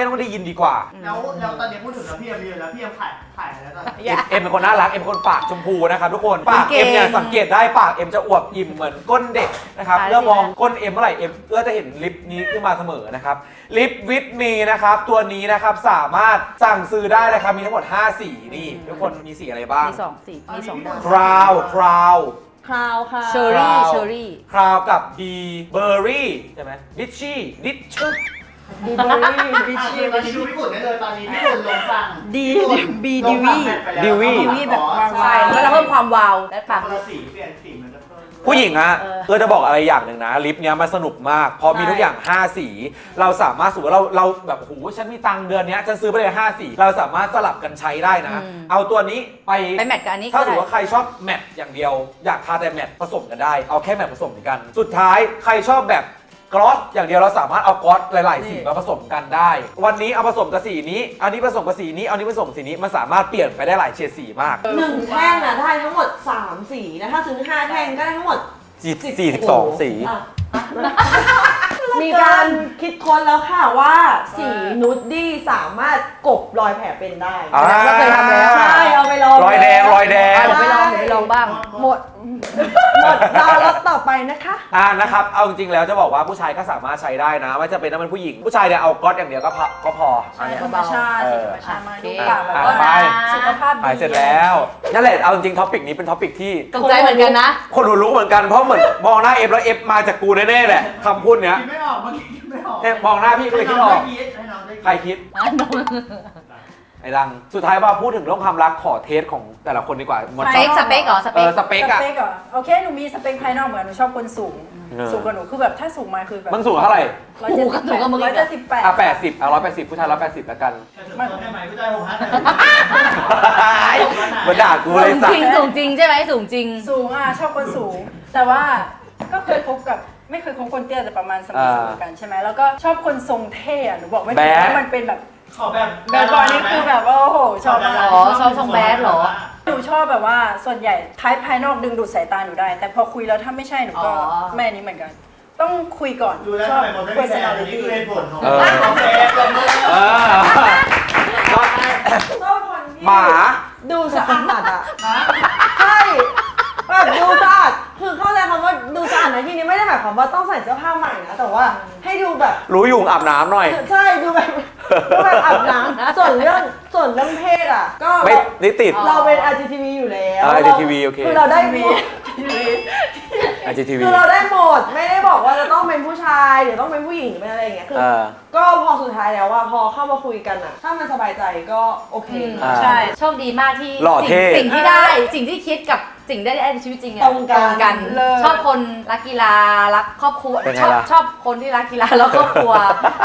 [SPEAKER 1] ดีกว่า
[SPEAKER 3] แล้วแล้วตอนนี้พูดถึงแล้วพี่เอ็มเยอะแล้วพี่เอ็มถ่ายถ่ายอะไรแล้วตอนนี้
[SPEAKER 1] เอ็มเอ็มเป็นคนน่ารักเอ็มเป็นคนปากชมพูนะครับทุกคนปากเอ็มเนี่ยสังเกตได้ปากเอ็มจะอวบอิ่มเหมือนก้นเด็กนะครับเมื่อมองก้นเอ็มเมื่อไหร่เอ็มก็จะเห็นลิปนี้ขึ้นมาเสมอนะครับลิปวิตมีนะครับตัวนี้นะครับสามารถสั่งซื้อได้นะครับมีทั้งหมดห้าสีนี่ทุกคนมีสีอะไรบ้าง
[SPEAKER 2] มีสองสีมีสองดาว
[SPEAKER 1] คราวคราว
[SPEAKER 4] คราวค่ะ
[SPEAKER 2] เชอรี่เชอรี่
[SPEAKER 1] คราวกับบีเบอร์รี่ใช่ไหมดิชชี่ดิชช
[SPEAKER 4] บูเบอรี่บิ
[SPEAKER 3] อ่ะ
[SPEAKER 4] ชี
[SPEAKER 3] ตอนนี้ดูพี่ฝุ่นได้เลยตอนนี้พี่ฝุ่นลงสั่ง
[SPEAKER 5] ดี
[SPEAKER 3] พี่ฝุ่น
[SPEAKER 5] บี
[SPEAKER 3] ล
[SPEAKER 5] ดี
[SPEAKER 3] ง
[SPEAKER 5] วี
[SPEAKER 3] สั่งแมทไปแล้ว
[SPEAKER 1] ดีวี
[SPEAKER 5] ดีวีแบบวาง
[SPEAKER 2] ใช่แล้วเราเพิ่มความวาวและปาก
[SPEAKER 3] คนละสีเปลี่ยนสีมันจะเพิ่ม
[SPEAKER 1] ผู้หญิงอะ
[SPEAKER 2] เออ
[SPEAKER 1] เออจะบอกอะไรอย่างหนึ่งนะลิปเนี้ยมันสนุกมากเพราะมีทุกอย่าง ห้า สี เราสามารถสมมติว่าเราเราแบบโอ้โหฉันมีตังค์เดือนเนี้ยฉันซื้อไปเลยห้าสี เราสามารถสลับกันใช้ได้นะ เอาตัวนี้ไป
[SPEAKER 2] ไปแมทกับอันนี้
[SPEAKER 1] ถ้า
[SPEAKER 2] ก็
[SPEAKER 1] สมม
[SPEAKER 2] ได้
[SPEAKER 1] ติว่าใครชอบแมทอย่างเดียว อยากทาแต่แมทผสมกันได้ เอาแค่แมทผสมกัน สุดท้ายใครชอบแบบกลอสอย่างเดียวเราสามารถเอากลอสหลาย ๆ สีมาผสมกันได้ วันนี้เอาผสมกับสีนี้อันนี้ผสมกับสีนี้อันนี้ผสมกับสีนี้มันสามารถเปลี่ยนไปได้หลายเฉดสีมาก
[SPEAKER 4] หนึ่งแท่งอ่ะได้ทั้งหมดสามสีนะถ้าซื้อห้าแท่งก็ได้ทั้งหมด
[SPEAKER 1] สี่สิบสองสี
[SPEAKER 4] อ่ะมีการคิดค้นแล้วค่ะว่าสีนูดดี้สามารถกลบรอยแผลเป็นได้
[SPEAKER 1] อ่า
[SPEAKER 2] เราเคยทำแล้ว
[SPEAKER 4] ใช่เอาไปลอง
[SPEAKER 1] รอยแดงรอยแดง
[SPEAKER 2] เดี๋ยวไปลองเดี๋ยวไปลองบ้าง
[SPEAKER 4] หมดหมดรอรถต่อไปนะคะ
[SPEAKER 1] อ่านะครับเอาจริงๆแล้วจะบอกว่าผู้ชายก็สามารถใช้ได้นะไม่จะเป็นน้ำมันผู้หญิง ผู้ชายเนี่ยเอาก๊อตอย่างเดียวก็พอก็พอ
[SPEAKER 5] ใช่ธรรมชาติสีธรรมชาติมากดู
[SPEAKER 1] อ่ะ
[SPEAKER 5] ปากแบบ
[SPEAKER 1] อ่ะ
[SPEAKER 5] ว่า
[SPEAKER 1] ไป
[SPEAKER 5] สุขภาพดี
[SPEAKER 1] หายเสร็จแล้วนั่นแหละเอาจริงๆท็อปิกนี้เป็นท็อปิกที่
[SPEAKER 2] ตกใจเหมือนกันนะ
[SPEAKER 1] คนรู้เหมือนกันเพราะเหมือนมองหน้าเอฟแล้วเอฟมาจากกูแน่ๆแหละคำพูดเนี้ย
[SPEAKER 3] คิดไม่ออกเมื่อกี้คิดไม่ออก
[SPEAKER 1] เนี่ยมองหน้าพี่ก็เลยคิดออก
[SPEAKER 3] ให้น้องได้คิด
[SPEAKER 1] ใครคิดไอ้ดังสุดท้ายว่าพูดถึงเรื่องความรักขอเทสของแต่ละคนดีกว่าหมด
[SPEAKER 2] สเปคสเปคเหรอส
[SPEAKER 1] เอ
[SPEAKER 2] เปค
[SPEAKER 1] อสเปคอะ
[SPEAKER 5] สเปคเหรอโอเคหนูมีสเปคภายนอกเหมือนหนูชอบคนสูง
[SPEAKER 1] เออ
[SPEAKER 5] สูงกว่าหนูคือแบบถ้าสูงมาคือแบบ
[SPEAKER 1] มึงสูงเท่าไหร่
[SPEAKER 5] ร้อยเจ็ดสิบแปดร้อยเจ็ดสิบแปด
[SPEAKER 1] อ่ะแปดสิบอ่ะร้อยแปดสิบผู้ชายร้อยแปดสิบแล้วกัน
[SPEAKER 3] จะถึงตัวได้ไหมผู้ชายหกห้า
[SPEAKER 1] มาด่ากูเลย
[SPEAKER 2] สูง
[SPEAKER 1] สั
[SPEAKER 2] จ
[SPEAKER 1] ต
[SPEAKER 2] ริง
[SPEAKER 1] ว์
[SPEAKER 2] สูงจริงใช่ไหมสูงจริง
[SPEAKER 5] สูงอ่ะชอบคนสูง แต่ว่าก็เคยคบกับไม่เคยคบคนเตี้ยแต่ประมาณสมมติกันใช่ไหมแล้วก็ชอบคนทรงเท่อะหนูบอกไม่ถูกว่ามันเป็นแบบ
[SPEAKER 3] ขอแบบ
[SPEAKER 5] แบบบอยนี่คือแบบว่าโอ้โหชอบมาก
[SPEAKER 2] อ๋อชอบทรงแบดเหรอ
[SPEAKER 5] หนูชอบแบบว่าส่วนใหญ่ท้ายภายนอกดึงดูดสายตาหนูได้ แต่พอคุยแล้วถ้าไม่ใช่หนูก็
[SPEAKER 2] อ๋อ
[SPEAKER 5] แม่นี้เหมือนกัน ต้องคุยก่อน
[SPEAKER 3] ดูแล้ว
[SPEAKER 5] ชอ
[SPEAKER 3] ทำ
[SPEAKER 5] บ
[SPEAKER 3] ไมหมดไม่มีแฟนอันนี้
[SPEAKER 5] personality
[SPEAKER 3] คือเหตุผลของ
[SPEAKER 1] เออ
[SPEAKER 3] โอเคปรบมือ
[SPEAKER 1] เออก็
[SPEAKER 4] ชอบคนที่
[SPEAKER 1] หมา
[SPEAKER 4] ดูสะอาดอ่ะ
[SPEAKER 3] ฮะ
[SPEAKER 4] ใช่แบบดูสะอาดคือเข้าใจคำว่าดูสะอาดในที่นี้ไม่ได้หมายความว่าต้องใส่เสื้อผ้าใหม่นะแต่ว่าให้ดูแบบ
[SPEAKER 1] รู้อยู่อาบน้ำหน่อย
[SPEAKER 4] ใช่ดูแบบดูแบบอาบน้ำส่วนเรื่องส่วนเรื่องเพศอ่ะ ก็
[SPEAKER 1] ไม่
[SPEAKER 4] เรา
[SPEAKER 1] ได้ติด
[SPEAKER 4] เราเป็น อาร์ จี ที วี อยู่แล้ว
[SPEAKER 1] อ่า อาร์ จี ที วี โอเค
[SPEAKER 4] คือเราได้หมด
[SPEAKER 1] ไอจีทีวี
[SPEAKER 4] คือเราได้หมดไม่ได้บอกว่าจะต้องเป็นผู้ชายหรือต้องเป็นผู้หญิงหรือเป็นอะไรอย่างเงี้ยคือ
[SPEAKER 1] เออ
[SPEAKER 4] ก็พอสุดท้ายแล้วว่าพอเข้ามาคุยกันอ่ะ ถ้ามันสบายใจก็โอเค
[SPEAKER 1] อ่า
[SPEAKER 5] ใช่
[SPEAKER 2] โชคดีมากที่
[SPEAKER 1] หล่อเท่
[SPEAKER 2] สิ่งสิ่งที่ได้สิ่งที่คิดกับสิ่งได้ในชีวิตจริงอะ
[SPEAKER 4] ตรงกัน
[SPEAKER 5] เลย
[SPEAKER 2] ชอบคนรักกีฬารักครอบครัว
[SPEAKER 1] เป็นไง
[SPEAKER 2] ชอบ
[SPEAKER 1] ล่ะ
[SPEAKER 2] ชอบคนที่รักกีฬาแล้วครอบครัว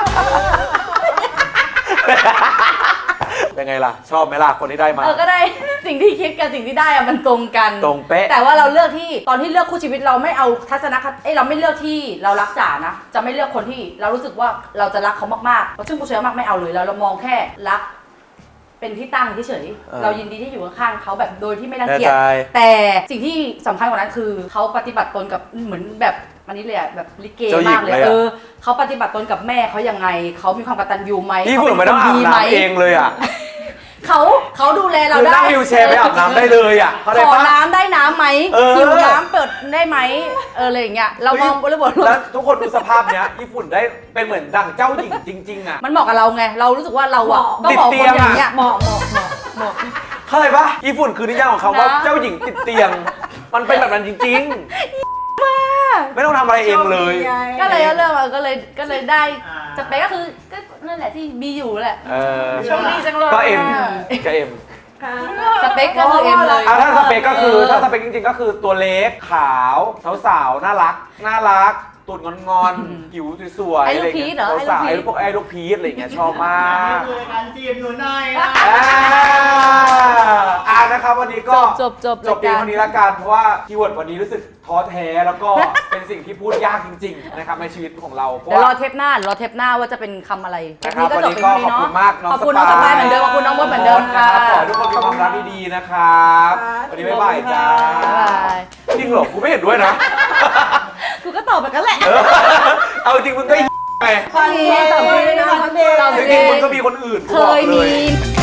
[SPEAKER 1] เป็นไงล่ะ ชอบไหมล่ะ คนที่ได้มา
[SPEAKER 2] เออก็ได้ สิ่งที่คิดกับสิ่งที่ได้อะมันตรงกัน
[SPEAKER 1] ตรงเป๊ะ
[SPEAKER 2] แต่ว่าเราเลือกที่ตอนที่เลือกคู่ชีวิตเราไม่เอาทัศนคติเอ้ยเราไม่เลือกที่เรารักจ๋านะจะไม่เลือกคนที่เรารู้สึกว่าเราจะรักเขามากๆซึ่งกูเชื่อมากไม่เอาเลยเราเรามองแค่รัก เป็นที่ตั้งเฉย
[SPEAKER 1] เออ
[SPEAKER 2] ๆเรายินดีที่อยู่ข้างๆเขาแบบโดยที่ไม่รัง
[SPEAKER 1] แน่
[SPEAKER 2] เกียจ
[SPEAKER 1] ใจ
[SPEAKER 2] แต่สิ่งที่สำคัญกว่านั้นคือเขาปฏิบัติตนกับเหมือนแบบอันนี้เลยอะแบบลิเก
[SPEAKER 1] เจ้าหญิ
[SPEAKER 2] มาง กเลย
[SPEAKER 1] เลยอะ
[SPEAKER 2] เออเขาปฏิบัติตนกับแม่เขายังไงเขามีความกตัญญูไหม
[SPEAKER 1] พี่
[SPEAKER 2] เขา
[SPEAKER 1] ฝุ่นไม่ต้องอาบ
[SPEAKER 2] ดีไหม
[SPEAKER 1] น้ำเองเลยอ่ะ
[SPEAKER 2] เขาเขาดูแลเรา
[SPEAKER 1] คือ
[SPEAKER 2] ได้
[SPEAKER 1] นั่งวิวแชร์ไปอาบน้ำได้เลยอ่ะเขาได้
[SPEAKER 2] ขอ
[SPEAKER 1] ปะ
[SPEAKER 2] น้ำได้น้ำไหม
[SPEAKER 1] เออ
[SPEAKER 2] หิวน้ำเปิดได้ไหมเอออะไรอย่างเงี้ยเรามองบริบท
[SPEAKER 1] แล้วทุกคนดูสภาพเนี้ยญี่ปุ่นได้เป็นเหมือนดั่งเจ้าหญิงจริง ๆ อ่ะ
[SPEAKER 2] มันเหมาะกับเราไงเรารู้สึกว่าเราอะ
[SPEAKER 4] เหมาะ
[SPEAKER 2] ต้องบอก
[SPEAKER 1] ติ
[SPEAKER 2] ค
[SPEAKER 1] ด
[SPEAKER 2] น
[SPEAKER 1] เตียง
[SPEAKER 2] อย่างเงี้ย
[SPEAKER 4] เหมาะเหมาะเหมาะเหมาะ
[SPEAKER 1] เข้าใจปะญี่ปุ่นคือนิยามของคำว่า
[SPEAKER 2] นะ
[SPEAKER 1] เจ้าหญิงติดเตียง มันเป็นแบบนั้นจริงๆไม่ต้องทำอะไรเองเลย
[SPEAKER 2] ก็เลยเริ่มก็เลยก็เลยได้สเปคก็คือก็นั่นแหละที่มีอยู่แหละ
[SPEAKER 1] เออ
[SPEAKER 5] โชคดีจังเลย
[SPEAKER 1] ก็เอ็ม
[SPEAKER 5] อะ
[SPEAKER 1] ก็เอ็ม
[SPEAKER 4] ค่ะ
[SPEAKER 2] สเปคก็คือเอ็มเลย
[SPEAKER 1] อ่ะถ้าสเปคก็คือถ้าสเปคจริงๆก็คือตัวเล็กขาวสาวๆน่ารักน่ารักตูดงอนๆผิวสวยๆ
[SPEAKER 2] ไอ้
[SPEAKER 1] อะ
[SPEAKER 2] ลู
[SPEAKER 1] ไร
[SPEAKER 2] กพีช
[SPEAKER 1] เงี้ย
[SPEAKER 2] เหรอ
[SPEAKER 1] สาวๆ
[SPEAKER 2] ไอ้
[SPEAKER 1] ไอ้
[SPEAKER 2] ลู
[SPEAKER 1] ลู
[SPEAKER 2] ก
[SPEAKER 1] ก
[SPEAKER 2] พีช
[SPEAKER 1] ไอ้ลูกพีชอะไรเงี้ยชอบมา
[SPEAKER 3] นี่
[SPEAKER 1] ก
[SPEAKER 3] คือรายการจีบอยู่หน่อยนะ
[SPEAKER 1] อ่าอ่านะครับวันนี้ก็
[SPEAKER 2] จบจบ
[SPEAKER 1] จบเพียงเท่านี้ละกันเพราะว่าคีย์เวิร์ดวันนี้รู้สึกท้อแท้แล้วก็ เป็นสิ่งที่พูดยากจริงๆนะครับในชีวิตของเราเพราะ
[SPEAKER 2] เดี๋ยวรอ
[SPEAKER 1] ว่า
[SPEAKER 2] เทปหน้ารอเทปหน้าว่าจะเป็นคำอะไร
[SPEAKER 1] นะครับ
[SPEAKER 2] ก็
[SPEAKER 1] วัน
[SPEAKER 2] จบ
[SPEAKER 1] นี้
[SPEAKER 2] เพียง
[SPEAKER 1] ก็
[SPEAKER 2] เท่า
[SPEAKER 1] ขอบ
[SPEAKER 2] นี้
[SPEAKER 1] คุ
[SPEAKER 2] เนาะ
[SPEAKER 1] ณมากน้อง
[SPEAKER 2] ขอบคุณ
[SPEAKER 1] ส
[SPEAKER 2] น้องส
[SPEAKER 1] ปา
[SPEAKER 2] ปายเหมือนเดิมขอบคุณน้องมดเหมือนเดิมค่ะ
[SPEAKER 1] ขอให้ทุกคนมีความรักดีๆนะครับวันนี้บ๊ายบายจ้า
[SPEAKER 2] บ๊ายบาย
[SPEAKER 1] จริงเหรอกูไม่เห็นด้วยนะ
[SPEAKER 2] กูก็ตอบแบบนั้นแหละ
[SPEAKER 1] เออเอาจริงมึงก็ไง
[SPEAKER 4] ฟันเดย์ตอบเดย์นะฟันเดย์
[SPEAKER 2] ตอบ
[SPEAKER 1] จ
[SPEAKER 2] เดย์
[SPEAKER 1] ริงๆมึงก็มีคนอื่น
[SPEAKER 2] เคยมี